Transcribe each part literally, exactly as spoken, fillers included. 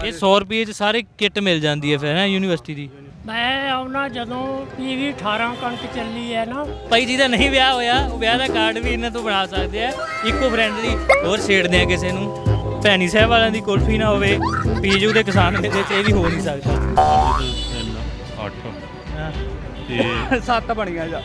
ਇਹ ਸੌ ਰੁਪਏ 'ਚ ਸਾਰੇ ਕਿੱਟ ਮਿਲ ਜਾਂਦੀ ਹੈ ਫਿਰ ਹੈ ਯੂਨੀਵਰਸਿਟੀ ਦੀ। ਮੈਂ ਆਉਣਾ ਜਦੋਂ ਪੀਵੀ ਅਠਾਰਾਂ ਕਣਕ ਚੱਲੀ ਹੈ ਨਾ। ਭਾਈ ਜਿਹਦਾ ਨਹੀਂ ਵਿਆਹ ਹੋਇਆ ਉਹ ਵਿਆਹ ਦਾ ਕਾਰਡ ਵੀ ਇਹਨਾਂ ਤੋਂ ਬਣਾ ਸਕਦੇ ਆ, ਇਕੋ ਫਰੈਂਡਲੀ। ਹੋਰ ਛੇੜਦੇ ਆ ਕਿਸੇ ਨੂੰ, ਭੈਣੀ ਸਾਹਿਬ ਵਾਲਿਆਂ ਦੀ ਕੁਲਫੀ ਨਾ ਹੋਵੇ, ਪੀਜੂ ਦੇ ਕਿਸਾਨ ਮੇਲੇ 'ਚ ਇਹ ਵੀ ਹੋ ਨਹੀਂ ਸਕਦਾ। ਅੱਠ ਹਾਂ ਤੇ ਸੱਤ ਬਣੀਆਂ ਜਾ।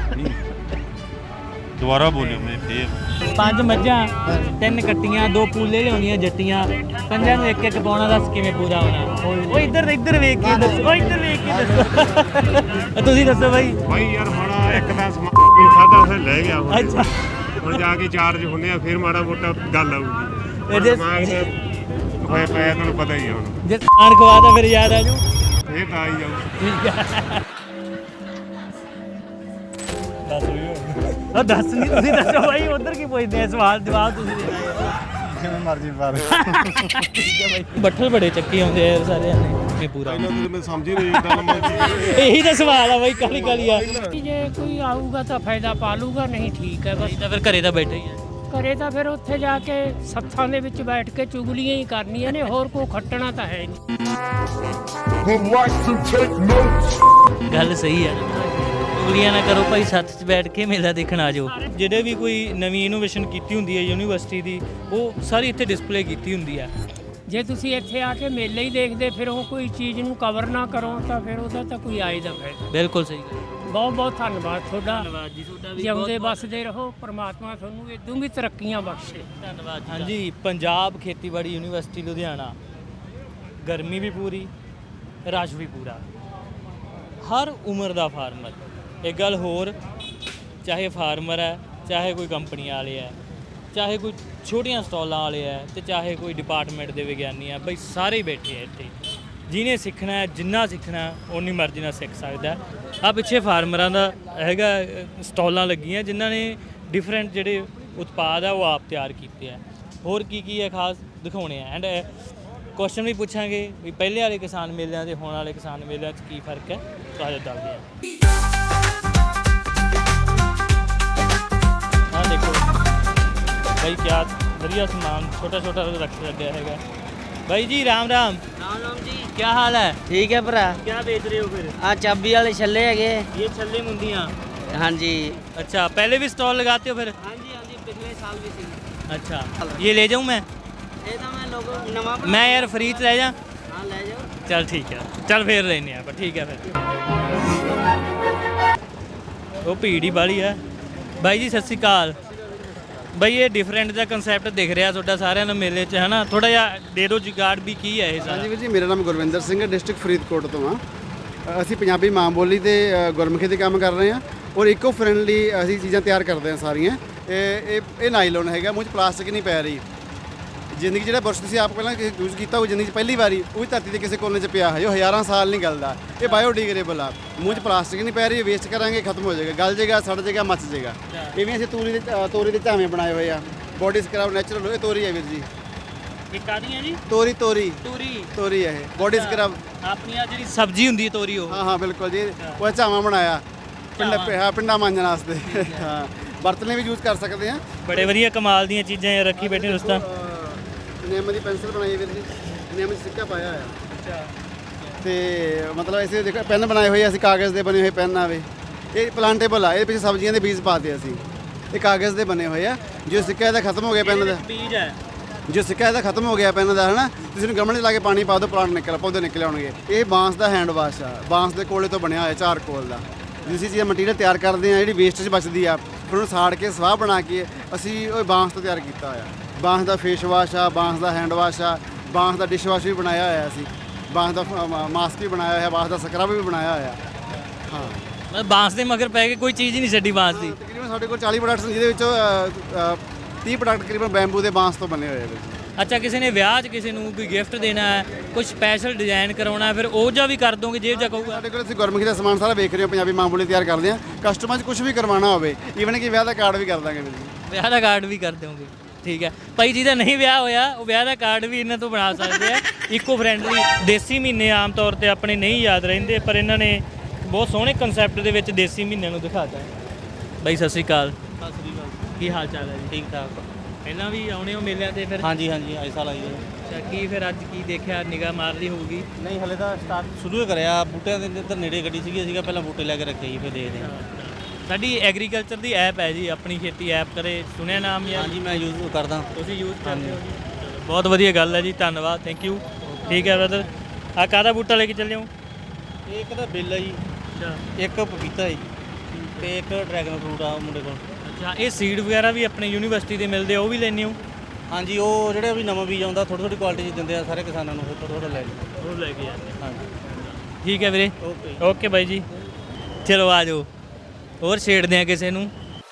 ਦੁਬਾਰਾ ਬੋਲਿਓ ਮੈਂ ਫੇਰ। ਪੰਜ ਮੱਝਾਂ, ਤਿੰਨ ਕੱਟੀਆਂ, ਦੋ ਪੂਲੇ ਲਿਆਉਣੀਆਂ ਜੱਟੀਆਂ, ਪੰਜਾਂ ਨੂੰ ਇੱਕ ਇੱਕ ਪਾਉਣਾ, ਦੱਸ ਕਿਵੇਂ ਪੂਰਾ ਹੋਣਾ। ਉਹ ਇੱਧਰ ਇੱਧਰ ਵੇਖ ਕੇ ਦੱਸੋ, ਉਹ ਇੱਧਰ ਵੇਖ ਕੇ ਦੱਸੋ। ਤੁਸੀਂ ਦੱਸੋ ਬਾਈ। ਬਾਈ ਯਾਰ ਮਾੜਾ ਇੱਕ ਦਾ ਸਮਾਨ ਖਾਦਾ ਫਿਰ ਲੈ ਗਿਆ ਹੁਣ। ਅੱਛਾ ਹੁਣ ਜਾ ਕੇ ਚਾਰਜ ਹੁੰਦੇ ਆ ਫਿਰ ਮਾੜਾ ਮੋਟਾ ਗੱਲ ਆਊਗੀ। ਇਹਦੇ ਦਿਮਾਗ ਤੇ ਹੋਇਆ ਪਿਆ ਤੁਹਾਨੂੰ ਪਤਾ ਹੀ ਆ ਹੁਣ। ਜੇ ਖਾਣ ਖਵਾਦਾ ਫਿਰ ਯਾਦ ਆ ਜੂ। ਇਹ ਤਾਂ ਆਈ ਜਾਊ। ਠੀਕ ਹੈ ਦੱਸ ਵੀ ਉਹ ਦੱਸ ਨਹੀਂ, ਤੁਸੀਂ ਦੱਸੋ ਬਾਈ। ਉਧਰ ਕੀ ਪੁੱਛਦੇ ਆ, ਸਵਾਲ ਜਵਾਬ ਤੁਸੀਂ ਦੇਣਾ ਯਾਰ। ਜਿਵੇਂ ਮਰਜ਼ੀ ਬਾਰ ਠੀਕ ਹੈ ਬਾਈ। ਬੱਠਲ ਬੜੇ ਚੱਕੀ ਆਉਂਦੇ ਆ ਸਾਰਿਆਂ ਨੇ ਇਹ ਪੂਰਾ। ਮੈਂ ਸਮਝ ਹੀ ਨਹੀਂ ਗੱਲ ਮੈਂ। ਇਹੀ ਤਾਂ ਸਵਾਲ ਆ ਬਾਈ, ਕਾਲੀ ਕਾਲੀ ਆ। ਜੇ ਕੋਈ ਆਊਗਾ ਤਾਂ ਫਾਇਦਾ ਪਾ ਲੂਗਾ, ਨਹੀਂ ਠੀਕ ਹੈ ਬਸ। ਤਾਂ ਫਿਰ ਘਰੇ ਤਾਂ ਬੈਠੇ ਹੀ ਆ। ਘਰੇ ਤਾਂ ਫਿਰ ਉੱਥੇ ਜਾ ਕੇ ਸੱਥਾਂ ਦੇ ਵਿੱਚ ਬੈਠ ਕੇ ਚੁਗਲੀਆਂ ਹੀ ਕਰਨੀਆਂ ਨੇ, ਹੋਰ ਕੋਈ ਖੱਟਣਾ ਤਾਂ ਹੈ ਨਹੀਂ। ਗੱਲ ਸਹੀ ਹੈ, ਚੁਗਲੀਆਂ ਨਾ ਕਰੋ ਭਾਈ, ਸੱਥ 'ਚ ਬੈਠ ਕੇ ਮੇਲਾ ਦੇਖਣ ਆ ਜਾਓ। ਜਿਹੜੇ ਵੀ ਕੋਈ ਨਵੀਂ ਇਨੋਵੇਸ਼ਨ ਕੀਤੀ ਹੁੰਦੀ ਹੈ ਯੂਨੀਵਰਸਿਟੀ ਦੀ, ਉਹ ਸਾਰੀ ਇੱਥੇ ਡਿਸਪਲੇ ਕੀਤੀ ਹੁੰਦੀ ਹੈ। ਜੇ ਤੁਸੀਂ ਇੱਥੇ ਆ ਕੇ ਮੇਲੇ ਹੀ ਦੇਖਦੇ ਫਿਰ ਉਹ ਕੋਈ ਚੀਜ਼ ਨੂੰ ਕਵਰ ਨਾ ਕਰੋ ਤਾਂ ਫਿਰ ਉਹਦਾ ਤਾਂ ਕੋਈ ਆਏ ਦਾ ਫਾਇਦਾ। ਬਿਲਕੁਲ ਸਹੀ ਗੱਲ। ਬਹੁਤ ਬਹੁਤ ਧੰਨਵਾਦ ਤੁਹਾਡਾ। ਧੰਨਵਾਦ ਜੀ ਤੁਹਾਡਾ ਵੀ। ਜਿਉਂਦੇ ਵੱਸਦੇ ਰਹੋ, ਪਰਮਾਤਮਾ ਤੁਹਾਨੂੰ ਇਦੋਂ ਵੀ ਤਰੱਕੀਆਂ ਬਖਸ਼ੇ। ਧੰਨਵਾਦ। ਹਾਂਜੀ, ਪੰਜਾਬ ਖੇਤੀਬਾੜੀ ਯੂਨੀਵਰਸਿਟੀ ਲੁਧਿਆਣਾ। ਗਰਮੀ ਵੀ ਪੂਰੀ, ਰਸ਼ ਵੀ ਪੂਰਾ, ਹਰ ਉਮਰ ਦਾ ਫਾਰਮਰ। ਇੱਕ ਗੱਲ ਹੋਰ, ਚਾਹੇ ਫਾਰਮਰ ਹੈ, ਚਾਹੇ ਕੋਈ ਕੰਪਨੀ ਵਾਲੇ ਹੈ, ਚਾਹੇ ਕੋਈ ਛੋਟੀਆਂ ਸਟਾਲਾਂ ਵਾਲੇ ਹੈ, ਤੇ ਚਾਹੇ ਕੋਈ ਡਿਪਾਰਟਮੈਂਟ ਦੇ ਵਿਗਿਆਨੀ ਆ, ਬਈ ਸਾਰੇ ਬੈਠੇ ਆ ਇੱਥੇ। ਜਿਹਨੇ ਸਿੱਖਣਾ ਹੈ, ਜਿੰਨਾ ਸਿੱਖਣਾ ਓਨੀ ਮਰਜ਼ੀ ਨਾਲ ਸਿੱਖ ਸਕਦਾ। ਆ ਪਿੱਛੇ ਫਾਰਮਰਾਂ ਦਾ ਹੈਗਾ ਸਟਾਲਾਂ ਲੱਗੀਆਂ ਜਿਨ੍ਹਾਂ ਨੇ ਡਿਫਰੈਂਟ ਜਿਹੜੇ ਉਤਪਾਦ ਆ ਉਹ ਆਪ ਤਿਆਰ ਕੀਤੇ ਆ। ਹੋਰ ਕੀ ਕੀ ਹੈ ਖਾਸ ਦਿਖਾਉਣੇ ਆ, ਐਂਡ ਕੁਐਸਚਨ ਵੀ ਪੁੱਛਾਂਗੇ ਵੀ ਪਹਿਲੇ ਵਾਲੇ ਕਿਸਾਨ ਮੇਲਿਆਂ ਤੇ ਹੁਣ ਵਾਲੇ ਕਿਸਾਨ ਮੇਲਿਆਂ 'ਚ ਕੀ ਫਰਕ ਹੈ, ਤੁਹਾਨੂੰ ਦੱਸਦੇ ਆ। ਆਹ ਦੇਖੋ ਭਾਈ, ਕਿਆ ਵਧੀਆ ਸਮਾਨ ਛੋਟਾ ਛੋਟਾ ਰੱਖ ਲੱਗਿਆ ਹੈਗਾ। भाई जी राम राम। राम राम जी, क्या हाल है? ठीक है भरा। क्या बेच रहे हो फिर? आ चाबी वाले छल्ले है। ये छल्ले मुंदियाँ। हाँ जी। अच्छा, पहले भी स्टॉल लगाते हो फिर? हाँ जी हाँ जी, पिछले साल भी सी। अच्छा, ये ले जाऊँ मैं? ये तो मैं लोगों नवा मैं यार फ्री च रह जा। हाँ ले जाओ। चल ठीक है, चल फिर लेने पर ठीक है फिर। वो भीड़ ही बाली है। भाई जी सत श्री अकाल। ਬਾਈ ਇਹ ਡਿਫਰੈਂਟ ਦਾ ਕਨਸੈਪਟ ਦਿਖ ਰਿਹਾ ਤੁਹਾਡਾ ਸਾਰਿਆਂ ਨੂੰ ਮੇਲੇ 'ਚ, ਹੈ ਨਾ? ਥੋੜਾ ਜਿਹਾ ਦੇ ਦਿਓ ਜੁਗਾੜ ਵੀ ਕੀ ਹੈ ਇਹ ਸਾਰਾ। ਹਾਂਜੀ ਵੀਰ ਜੀ, ਮੇਰਾ ਨਾਮ ਗੁਰਵਿੰਦਰ ਸਿੰਘ ਹੈ, ਡਿਸਟ੍ਰਿਕਟ ਫਰੀਦਕੋਟ ਤੋਂ ਹਾਂ। ਅਸੀਂ ਪੰਜਾਬੀ ਮਾਂ ਬੋਲੀ ਤੇ ਗੁਰਮੁਖੀ ਦੇ ਕੰਮ ਕਰ ਰਹੇ ਹਾਂ ਔਰ ਇਕੋ ਫਰੈਂਡਲੀ ਅਸੀਂ ਚੀਜ਼ਾਂ ਤਿਆਰ ਕਰਦੇ ਹਾਂ ਸਾਰੀਆਂ। ਇਹ ਇਹ ਇਹ ਨਾਈਲੋਨ ਹੈਗਾ, ਮੂੰਹ 'ਚ ਪਲਾਸਟਿਕ ਨਹੀਂ ਪੈ ਰਹੀ। ਜ਼ਿੰਦਗੀ ਜਿਹੜਾ ਬੁਰਸ਼ ਤੁਸੀਂ ਆਪ ਪਹਿਲਾਂ ਯੂਜ਼ ਕੀਤਾ ਉਹ ਜ਼ਿੰਦਗੀ 'ਚ ਪਹਿਲੀ ਵਾਰੀ ਉਹ ਵੀ ਧਰਤੀ ਦੇ ਕਿਸੇ ਕੋਨੇ 'ਚ ਪਿਆ ਹੈ, ਜੋ ਹਜ਼ਾਰਾਂ ਸਾਲ ਨਹੀਂ ਗਲਦਾ। ਇਹ ਬਾਇਓਡੀਗ੍ਰੇਡੇਬਲ ਆ, ਮੂੰਹ 'ਚ ਪਲਾਸਟਿਕ ਨਹੀਂ ਪੈ ਰਹੀ, ਵੇਸਟ ਕਰਾਂਗੇ ਖਤਮ ਹੋ ਜਾਏਗਾ, ਗਲ ਜਾਏਗਾ, ਸੜ ਜਾਏਗਾ, ਮੱਚ ਜਾਏਗਾ। ਇਵੇਂ ਅਸੀਂ ਤੋਰੀ ਦੇ ਤੋਰੀ ਦੇ ਝਾਵੇਂ ਬਣਾਏ ਹੋਏ ਆ, ਬੋਡੀ ਸਕਰਬ ਨੈਚੁਰਲ। ਇਹ ਤੋਰੀ ਹੈ ਵੀਰ ਜੀ। ਇਹ ਕਾਹਦੀਆਂ ਜੀ? ਤੋਰੀ ਤੋਰੀ ਤੋਰੀ ਤੋਰੀ ਹੈ ਇਹ, ਬੋਡੀ ਸਕਰਬ। ਆਪਣੀ ਆ ਜਿਹੜੀ ਸਬਜ਼ੀ ਹੁੰਦੀ ਹੈ ਤੋਰੀ, ਉਹ? ਹਾਂ ਹਾਂ ਬਿਲਕੁਲ ਜੀ, ਉਹ ਝਾਵਾਂ ਬਣਾਇਆ ਪਿੰਡਾ ਹਾਂ ਪਿੰਡਾ ਮਾਂਜਣ ਵਾਸਤੇ। ਹਾਂ, ਬਰਤਨੇ ਵੀ ਯੂਜ਼ ਕਰ ਸਕਦੇ ਹਾਂ। ਬੜੇ ਵਧੀਆ ਕਮਾਲ ਦੀਆਂ ਚੀਜ਼ਾਂ ਇਹ ਰੱਖੀ ਬੈਠੇ ਦੋਸਤਾਂ। ਨਿੰਮ ਦੀ ਪੈਨਸਲ ਬਣਾਈ ਵੀਰ ਜੀ, ਨਿੰਮ 'ਚ ਸਿੱਕਾ ਪਾਇਆ ਹੋਇਆ। ਅੱਛਾ। ਤੇ ਮਤਲਬ ਇਸੇ ਦੇਖੋ ਪੈਨ ਬਣਾਏ ਹੋਏ ਅਸੀਂ, ਕਾਗਜ਼ ਦੇ ਬਣੇ ਹੋਏ ਪੈਨ ਆਵੇ। ਇਹ ਪਲਾਂਟੇਬਲ ਆ, ਇਹਦੇ ਪਿੱਛੇ ਸਬਜ਼ੀਆਂ ਦੇ ਬੀਜ ਪਾਤੇ ਅਸੀਂ। ਇਹ ਕਾਗਜ਼ ਦੇ ਬਣੇ ਹੋਏ ਆ। ਜੋ ਸਿੱਕਾ ਇਹਦਾ ਖਤਮ ਹੋ ਗਿਆ ਪੈਨ ਦਾ, ਬੀਜ ਹੈ ਜੋ ਸਿੱਕਾ ਇਹਦਾ ਖਤਮ ਹੋ ਗਿਆ ਪੈਨ ਦਾ, ਹੈ ਨਾ? ਤੁਸੀਂ ਇਹਨੂੰ ਗਮਲੇ 'ਚ ਲਾ ਕੇ ਪਾਣੀ ਪਾ ਦਿਓ, ਪਲਾਂਟ ਨਿਕਲ ਪੌਦੇ ਨਿਕਲ ਆਉਣਗੇ। ਇਹ ਬਾਂਸ ਦਾ ਹੈਂਡ ਵਾਸ਼ ਆ, ਬਾਂਸ ਦੇ ਕੋਲੇ ਤੋਂ ਬਣਿਆ ਹੋਇਆ, ਚਾਰਕੋਲ ਦਾ। ਜਿਸ ਚੀਜ਼ ਮਟੀਰੀਅਲ ਤਿਆਰ ਕਰਦੇ ਆ, ਜਿਹੜੀ ਵੇਸਟੇਜ ਬਚਦੀ ਆ, ਫਿਰ ਉਹਨੂੰ ਸਾੜ ਕੇ ਸਵਾਹ ਬਣਾ ਕੇ ਅਸੀਂ ਉਹ ਬਾਂਸ ਤੋਂ ਤਿਆਰ ਕੀਤਾ ਹੋਇਆ। ਬਾਂਸ ਦਾ ਫੇਸ ਵਾਸ਼ ਆ, ਬਾਂਸ ਦਾ ਹੈਂਡ ਵਾਸ਼ ਆ, ਬਾਂਸ ਦਾ ਡਿਸ਼ ਵਾਸ਼ ਵੀ ਬਣਾਇਆ ਹੋਇਆ ਅਸੀਂ, ਬਾਂਸ ਦਾ ਮਾਸਕ ਵੀ ਬਣਾਇਆ ਹੋਇਆ, ਬਾਂਸ ਦਾ ਸਕਰਬ ਵੀ ਬਣਾਇਆ ਹੋਇਆ। ਹਾਂ, ਮਤਲਬ ਬਾਂਸ ਦੇ ਮਗਰ ਪੈ ਕੇ ਕੋਈ ਚੀਜ਼ ਹੀ ਨਹੀਂ ਛੱਡੀ ਬਾਂਸ ਦੀ। ਤਕਰੀਬਨ ਸਾਡੇ ਕੋਲ ਚਾਲੀ ਪ੍ਰੋਡਕਟਸ ਨੇ, ਜਿਹਦੇ ਵਿੱਚੋਂ ਤੀਹ ਪ੍ਰੋਡਕਟ ਤਕਰੀਬਨ ਬੈਂਬੂ ਦੇ ਬਾਂਸ ਤੋਂ ਬਣੇ ਹੋਏ ਆ। ਅੱਛਾ, ਕਿਸੇ ਨੇ ਵਿਆਹ 'ਚ ਕਿਸੇ ਨੂੰ ਕੋਈ ਗਿਫਟ ਦੇਣਾ ਹੈ, ਕੋਈ ਸਪੈਸ਼ਲ ਡਿਜ਼ਾਈਨ ਕਰਾਉਣਾ, ਫਿਰ ਉਹ ਜਿਹਾ ਵੀ ਕਰ ਦੋਗੇ ਜੇ ਜਿਹਾ ਕਹੂਗਾ? ਸਾਡੇ ਕੋਲ ਅਸੀਂ ਗੁਰਮੁਖੀ ਦਾ ਸਮਾਨ ਸਾਰਾ ਵੇਖ ਰਹੇ ਹਾਂ, ਪੰਜਾਬੀ ਮਾਂ ਬੋਲੀ ਤਿਆਰ ਕਰਦੇ ਹਾਂ। ਕਸਟਮਰ 'ਚ ਕੁਝ ਵੀ ਕਰਵਾਉਣਾ ਹੋਵੇ, ਈਵਨ ਕਿ ਵਿਆਹ ਦਾ ਕਾਰਡ ਵੀ ਕਰ ਦਾਂਗੇ ਵੀਰ ਜੀ। ਵਿਆਹ ਦਾ ਕਾਰਡ ਵੀ ਕਰ ਦਿਓਗੇ? ਠੀਕ ਹੈ ਭਾਈ। ਜਿਹਦਾ ਨਹੀਂ ਵਿਆਹ ਹੋਇਆ ਉਹ ਵਿਆਹ ਦਾ ਕਾਰਡ ਵੀ ਇਹਨਾਂ ਤੋਂ ਬਣਾ ਸਕਦੇ ਆ। ਇਕੋ ਫਰੈਂਡਲੀ ਦੇਸੀ ਮਹੀਨੇ ਆਮ ਤੌਰ ਤੇ ਆਪਣੇ ਨਹੀਂ ਯਾਦ ਰਹਿੰਦੇ, ਪਰ ਇਹਨਾਂ ਨੇ ਬਹੁਤ ਸੋਹਣੇ ਕਨਸੈਪਟ ਦੇ ਵਿੱਚ ਦੇਸੀ ਮਹੀਨਿਆਂ ਨੂੰ ਦਿਖਾਤਾ। ਬਾਈ ਸਤਿ ਸ਼੍ਰੀ ਅਕਾਲ। ਸਤਿ ਸ੍ਰੀ ਅਕਾਲ। ਕੀ ਹਾਲ ਚਾਲ ਹੈ ਜੀ? ਠੀਕ ਠਾਕ। ਪਹਿਲਾਂ ਵੀ ਆਉਣੇ ਹੋ ਮੇਲਿਆਂ ਤੇ ਫਿਰ? ਹਾਂਜੀ ਹਾਂਜੀ, ਇਸ ਸਾਲ ਆਈ ਹੈ। ਅੱਛਾ ਕੀ ਫਿਰ ਅੱਜ ਕੀ ਦੇਖਿਆ ਨਿਗਾਹ ਮਾਰ ਲਈ ਹੋਊਗੀ ਨਹੀਂ ਹਲੇ ਤਾਂ ਸਟਾਰਟ ਸ਼ੁਰੂ ਹੀ ਕਰਿਆ ਬੂਟਿਆਂ ਦੇ ਇੱਧਰ ਨੇੜੇ ਗੱਡੀ ਸੀਗੀ ਅਸੀਂ ਕਿਹਾ ਪਹਿਲਾਂ ਬੂਟੇ ਲੈ ਕੇ ਰੱਖੇ ਜੀ ਫਿਰ ਦੇਖਦੇ ਹਾਂ। ਸਾਡੀ ਐਗਰੀਕਲਚਰ ਦੀ ਐਪ ਹੈ ਜੀ ਆਪਣੀ ਖੇਤੀ ਐਪ ਕਰੇ ਸੁਣਿਆ ਨਾਮ ਜਾਂ ਹਾਂਜੀ ਮੈਂ ਯੂਜ਼ ਕਰਦਾ। ਤੁਸੀਂ ਯੂਜ਼ ਕਰਦੇ ਹੋ ਜੀ ਚਲੋ, ਬਹੁਤ ਵਧੀਆ ਗੱਲ ਹੈ ਜੀ ਧੰਨਵਾਦ ਥੈਂਕ ਯੂ ਠੀਕ ਹੈ ਬ੍ਰਦਰ ਆ ਕਾਹਦਾ ਬੂਟਾ ਲੈ ਕੇ ਚੱਲੇ ਹੋ ਇਹ ਇੱਕ ਤਾਂ ਬਿੱਲ ਹੈ ਜੀ ਅੱਛਾ ਇੱਕ ਪਪੀਤਾ ਹੈ ਜੀ ਤੇ ਇੱਕ ਡਰੈਗਨ ਫਰੂਟ ਆ ਮੁੰਡੇ ਕੋਲ। ਅੱਛਾ ਇਹ ਸੀਡ ਵਗੈਰਾ ਵੀ ਆਪਣੇ ਯੂਨੀਵਰਸਿਟੀ ਦੇ ਮਿਲਦੇ ਆ ਉਹ ਵੀ ਲੈਣੇ ਹੋ ਹਾਂਜੀ ਉਹ ਜਿਹੜੇ ਵੀ ਨਵਾਂ ਬੀਜ ਆਉਂਦਾ ਥੋੜੀ ਥੋੜੀ ਕੁਆਲਿਟੀ 'ਚ ਦਿੰਦੇ ਆ ਸਾਰੇ ਕਿਸਾਨਾਂ ਨੂੰ ਫਿਰ ਥੋੜਾ ਥੋੜਾ ਲੈ ਜੀ। ਉਹ ਲੈ ਕੇ ਜਾਂਦੇ ਹਾਂਜੀ ਠੀਕ ਹੈ ਵੀਰੇ ਓਕੇ ਓਕੇ ਬਾਈ ਜੀ ਚਲੋ ਆ ਜਾਓ ਹੋਰ ਛੇੜਦੇ ਆ ਕਿਸੇ ਨੂੰ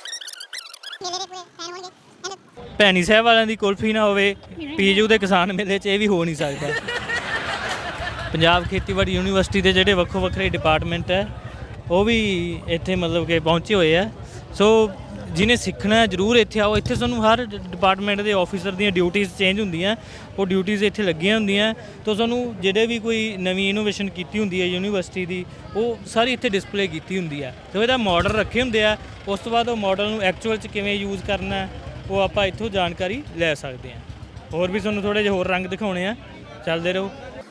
ਭੈਣੀ ਸਾਹਿਬ ਵਾਲਿਆਂ ਦੀ ਕੁਲਫੀ ਨਾ ਹੋਵੇ ਪੀਜੂ ਦੇ ਕਿਸਾਨ ਮੇਲੇ 'ਚ ਇਹ ਵੀ ਹੋ ਨਹੀਂ ਸਕਦਾ ਪੰਜਾਬ ਖੇਤੀਬਾੜੀ ਯੂਨੀਵਰਸਿਟੀ ਦੇ ਜਿਹੜੇ ਵੱਖੋ ਵੱਖਰੇ ਡਿਪਾਰਟਮੈਂਟ ਹੈ ਉਹ ਵੀ ਇੱਥੇ ਮਤਲਬ ਕਿ ਪਹੁੰਚੇ ਹੋਏ ਆ ਸੋ ਜਿਹਨੇ ਸਿੱਖਣਾ ਹੈ ਜ਼ਰੂਰ ਇੱਥੇ ਆਓ ਇੱਥੇ ਤੁਹਾਨੂੰ ਹਰ ਡਿਪਾਰਟਮੈਂਟ ਦੇ ਆਫੀਸਰ ਦੀਆਂ ਡਿਊਟੀਆਂ ਚੇਂਜ ਹੁੰਦੀਆਂ ਉਹ ਡਿਊਟੀਆਂ ਇੱਥੇ ਲੱਗੀਆਂ ਹੁੰਦੀਆਂ ਤਾਂ ਤੁਹਾਨੂੰ ਜਿਹੜੇ ਵੀ ਕੋਈ ਨਵੀਂ ਇਨੋਵੇਸ਼ਨ ਕੀਤੀ ਹੁੰਦੀ ਹੈ ਯੂਨੀਵਰਸਿਟੀ ਦੀ ਉਹ ਸਾਰੀ ਇੱਥੇ ਡਿਸਪਲੇ ਕੀਤੀ ਹੁੰਦੀ ਹੈ ਤੇ ਇਹਦਾ ਮਾਡਲ ਰੱਖੇ ਹੁੰਦੇ ਆ ਉਸ ਤੋਂ ਬਾਅਦ ਉਹ ਮਾਡਲ ਨੂੰ ਐਕਚੁਅਲ 'ਚ ਕਿਵੇਂ ਯੂਜ਼ ਕਰਨਾ ਹੈ ਉਹ ਆਪਾਂ ਇੱਥੋਂ ਜਾਣਕਾਰੀ ਲੈ ਸਕਦੇ ਹਾਂ ਹੋਰ ਵੀ ਤੁਹਾਨੂੰ ਥੋੜ੍ਹੇ ਜਿਹੇ ਹੋਰ ਰੰਗ ਦਿਖਾਉਣੇ ਆ ਚੱਲਦੇ ਰਹੋ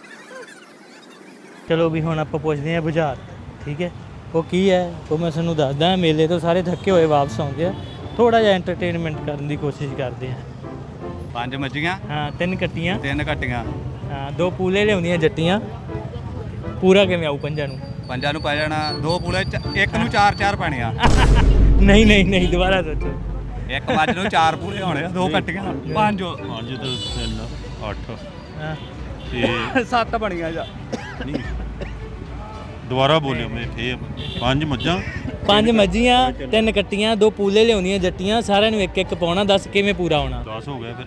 ਚਲੋ ਵੀ ਹੁਣ ਆਪਾਂ ਪੁੱਛਦੇ ਹਾਂ ਬੁਝਾਰ ਠੀਕ ਹੈ ਉਹ ਕੀ ਹੈ ਉਹ ਮੈਂ ਤੁਹਾਨੂੰ ਦੱਸਦਾ ਮੇਲੇ ਤੋਂ ਸਾਰੇ ਥੱਕੇ ਹੋਏ ਵਾਪਸ ਆਉਂਦੇ ਆ ਥੋੜਾ ਜਿਹਾ ਐਂਟਰਟੇਨਮੈਂਟ ਕਰਨ ਦੀ ਕੋਸ਼ਿਸ਼ ਕਰਦੇ ਆ ਪੰਜ ਮੱਝੀਆਂ ਹਾਂ ਤਿੰਨ ਕੱਟੀਆਂ ਤਿੰਨ ਘੱਟੀਆਂ ਹਾਂ ਦੋ ਪੂਲੇ ਲਿਆਉਂਦੀਆਂ ਜੱਟੀਆਂ ਪੂਰਾ ਕਿਵੇਂ ਆਊ ਪੰਜਾਂ ਨੂੰ ਪੰਜਾਂ ਨੂੰ ਪੈ ਜਾਣਾ ਦੋ ਪੂਲੇ ਚ- ਇੱਕ ਨੂੰ ਚਾਰ ਚਾਰ ਪੈਣੇ ਆ ਨਹੀਂ ਨਹੀਂ ਨਹੀਂ ਦੁਬਾਰਾ ਸੋਚੋ ਇੱਕ ਮੱਝ ਨੂੰ ਚਾਰ ਪੂਲੇ ਹੋਣੇ ਆ ਦੋ ਕੱਟੀਆਂ ਪੰਜ ਪੰਜ ਤੇ ਤਿੰਨ ਅੱਠ ਹਾਂ ਤੇ ਸੱਤ ਬਣੀਆਂ ਜਾ ਨਹੀਂ ਦੁਬਾਰਾ ਬੋਲਿਓ ਮੈਂ ਫੇਰ ਪੰਜ ਮੱਝਾਂ ਪੰਜ ਮੱਝੀਆਂ ਤਿੰਨ ਕੱਟੀਆਂ ਦੋ ਪੂਲੇ ਲਿਆਉਂਦੀਆਂ ਜੱਟੀਆਂ ਸਾਰਿਆਂ ਨੂੰ ਇੱਕ ਇੱਕ ਪਾਉਣਾ ਦੱਸ ਕਿਵੇਂ ਪੂਰਾ ਹੋਣਾ ਦਸ ਹੋ ਗਏ ਫਿਰ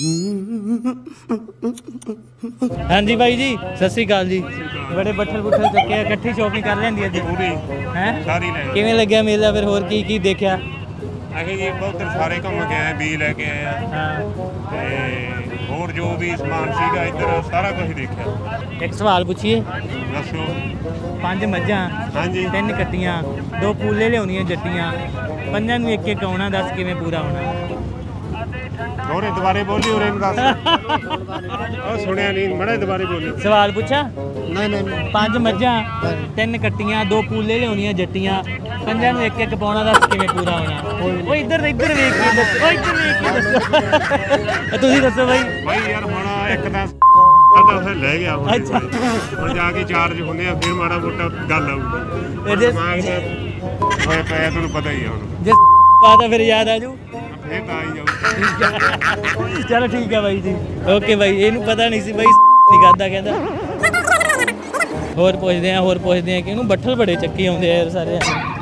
ਹਾਂਜੀ ਬਾਈ ਜੀ ਸਤਿ ਸ੍ਰੀ ਅਕਾਲ ਜੀ ਬੜੇ ਬੱਠਲ ਬੁੱਠਲ ਚੁੱਕੇ ਆ ਇਕੱਠੀ ਸ਼ੋਪਿੰਗ ਕਰ ਲੈਂਦੀ ਅੱਜ ਪੂਰੀ ਹੈ ਸਾਰੀ ਲੈ ਕਿਵੇਂ ਲੱਗਿਆ ਮੇਲਾ ਫਿਰ ਹੋਰ ਕੀ ਕੀ ਦੇਖਿਆ ਆਖੇ ਜੀ ਬਹੁਤ ਸਾਰੇ ਘੁੰਮ ਕੇ ਆਏ ਬੀ ਲੈ ਕੇ ਆਏ ਆ ਹਾਂ ਤੇ ਹੋਰ ਜੋ ਵੀ ਸਮਾਨ ਸੀਗਾ ਇੱਧਰ ਸਾਰਾ ਕੁਝ ਦੇਖਿਆ ਇੱਕ ਸਵਾਲ ਪੁੱਛੀਏ ਦੱਸੋ ਪੰਜ ਮੱਝਾਂ ਹਾਂਜੀ ਤਿੰਨ ਕੱਟੀਆਂ ਦੋ ਪੂਲੇ ਲਿਆਉਣੀਆਂ ਜੱਟੀਆਂ ਪੰਜਾਂ ਨੂੰ ਇੱਕ ਇੱਕ ਆਉਣਾ ਦੱਸ ਕਿਵੇਂ ਪੂਰਾ ਹੋਣਾ ਹੋਰੇ ਦੁਬਾਰੇ ਬੋਲੀ ਹੋਰੇ ਨੂੰ ਦੱਸ ਉਹ ਸੁਣਿਆ ਨਹੀਂ ਮੜੇ ਦੁਬਾਰੇ ਬੋਲੀ ਸਵਾਲ ਪੁੱਛਾਂ ਨਹੀਂ ਨਹੀਂ ਪੰਜ ਮੱਝਾਂ ਤਿੰਨ ਕੱਟੀਆਂ ਦੋ ਪੂਲੇ ਲਿਆਉਣੀਆਂ ਜੱਟੀਆਂ ਪੰਜਾਂ ਨੂੰ ਇੱਕ ਇੱਕ ਪਾਉਣਾ ਦੱਸ ਕਿਵੇਂ ਪੂਰਾ ਹੋਣਾ ਉਹ ਇੱਧਰ ਇੱਧਰ ਵੇਖ ਕੇ ਦੱਸੋ ਉਹ ਇੱਧਰ ਵੇਖ ਕੇ ਦੱਸੋ ਤੁਸੀਂ ਦੱਸੋ ਬਾਈ ਬਾਈ ਯਾਰ ਹੁਣ ਇੱਕ ਤਾਂ ਸਾਡਾ ਫਿਰ ਲੈ ਗਿਆ ਹੁਣ ਅੱਛਾ। ਹੁਣ ਜਾ ਕੇ ਚਾਰਜ ਹੁੰਦੇ ਆ ਫਿਰ ਮਾੜਾ ਮੋਟਾ ਗੱਲ ਆਊਗੀ ਇਹਦੇ- ਦਿਮਾਗ ਦਾ ਹੋਏ ਪਿਆ ਤੁਹਾਨੂੰ ਪਤਾ ਹੀ ਆ ਹੁਣ ਜੇ ਬਾਤ ਫਿਰ ਯਾਦ ਆ ਜੂ ਫੇਰ ਤਾਂ ਆਈ ਜਾਊ ਚਲੋ ਠੀਕ ਹੈ ਬਾਈ ਜੀ ਓਕੇ ਬਾਈ ਇਹਨੂੰ ਪਤਾ ਨਹੀਂ ਸੀ ਬਾਈ ਨਿਗਾਦਾ ਕਹਿੰਦਾ ਹੋਰ ਪੁੱਛਦੇ ਆ ਹੋਰ ਪੁੱਛਦੇ ਆ ਕਿ ਇਹਨੂੰ ਬੱਠਲ ਬੜੇ ਚੱਕੀ ਆਉਂਦੇ ਆ ਯਾਰ ਸਾਰੇ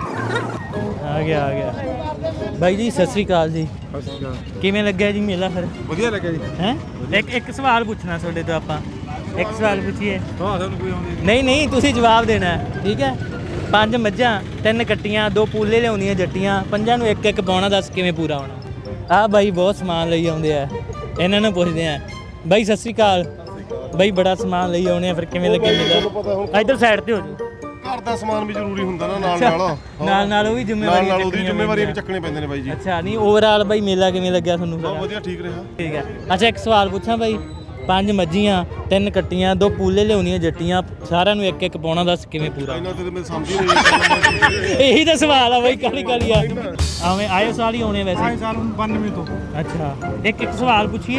ਆ ਗਿਆ ਆ ਗਿਆ ਬਾਈ ਜੀ ਸਤਿ ਸ੍ਰੀ ਅਕਾਲ ਜੀ ਕਿਵੇਂ ਲੱਗਿਆ ਜੀ ਮੇਲਾ ਫਿਰ ਵਧੀਆ ਲੱਗਿਆ ਜੀ ਹੈ ਇੱਕ ਇੱਕ ਸਵਾਲ ਪੁੱਛਣਾ ਤੁਹਾਡੇ ਤੋਂ ਆਪਾਂ ਇੱਕ ਸਵਾਲ ਪੁੱਛੀਏ ਹਾਂ ਤੁਹਾਨੂੰ ਕੋਈ ਆਉਂਦੀ ਨਹੀਂ ਨਹੀਂ ਤੁਸੀਂ ਜਵਾਬ ਦੇਣਾ ਹੈ, ਠੀਕ ਹੈ ਪੰਜ ਮੱਝਾਂ ਤਿੰਨ ਕੱਟੀਆਂ ਦੋ ਪੂਲੇ ਲਿਆਉਂਦੀਆਂ ਜੱਟੀਆਂ ਪੰਜਾਂ ਨੂੰ ਇੱਕ ਇੱਕ ਪਾਉਣਾ ਦੱਸ ਕਿਵੇਂ ਪੂਰਾ ਹੋਣਾ ਆਹ ਬਾਈ ਬਹੁਤ ਸਮਾਨ ਲਈ ਆਉਂਦੇ ਆ ਇਹਨਾਂ ਨੂੰ ਪੁੱਛਦੇ ਆ ਬਾਈ ਸਤਿ ਸ੍ਰੀ ਅਕਾਲ ਬਾਈ ਬੜਾ ਸਮਾਨ ਲਈ ਆਉਣੇ ਆ ਫਿਰ ਕਿਵੇਂ ਲੱਗੇ ਮੇਲਾ ਇੱਧਰ ਸਾਈਡ ਤੇ ਹੋ ਜੀ ਘਰ ਦਾ ਸਮਾਨ ਵੀ ਜ਼ਰੂਰੀ ਹੁੰਦਾ ਨਾ ਨਾਲ ਨਾਲ ਨਾਲ ਨਾਲ ਉਹ ਵੀ ਨਾਲ ਜ਼ਿੰਮੇਵਾਰੀ ਨਾਲ ਉਹਦੀ ਜ਼ਿੰਮੇਵਾਰੀ ਵੀ ਚੱਕਣੇ ਪੈਂਦੇ ਨੇ ਬਾਈ ਜੀ ਅੱਛਾ ਨਹੀਂ ਓਵਰਆਲ ਬਾਈ ਮੇਲਾ ਕਿਵੇਂ ਲੱਗਿਆ ਤੁਹਾਨੂੰ ਬਹੁਤ ਸਾਰਾ ਵਧੀਆ ਠੀਕ ਰਿਹਾ ਠੀਕ ਹੈ ਅੱਛਾ ਇੱਕ ਸਵਾਲ ਪੁੱਛਾਂ ਬਾਈ ਪੰਜ ਮੱਝੀਆਂ ਤਿੰਨ ਕੱਟੀਆਂ ਦੋ ਪੂਲੇ ਲਿਆਉਣੀਆਂ ਜੱਟੀਆਂ ਸਾਰਿਆਂ ਨੂੰ ਇੱਕ ਇੱਕ ਪਾਉਣਾ ਦੱਸ ਕਿਵੇਂ ਪੂਰਾ ਇਹਨਾਂ ਤੇ ਮੈਂ ਸਮਝ ਹੀ ਨਹੀਂ ਇਹੀ ਤਾਂ ਸਵਾਲ ਆ ਬਾਈ ਕਾਲੀ ਕਾਲੀ ਆ ਆਵੇਂ ਆਏ ਸਾਲ ਹੀ ਆਉਣੇ ਵੈਸੇ ਆਏ ਸਾਲ ਬਾਨਵੇਂ ਤੋਂ ਅੱਛਾ ਇੱਕ ਇੱਕ ਸਵਾਲ ਪੁੱਛੀਏ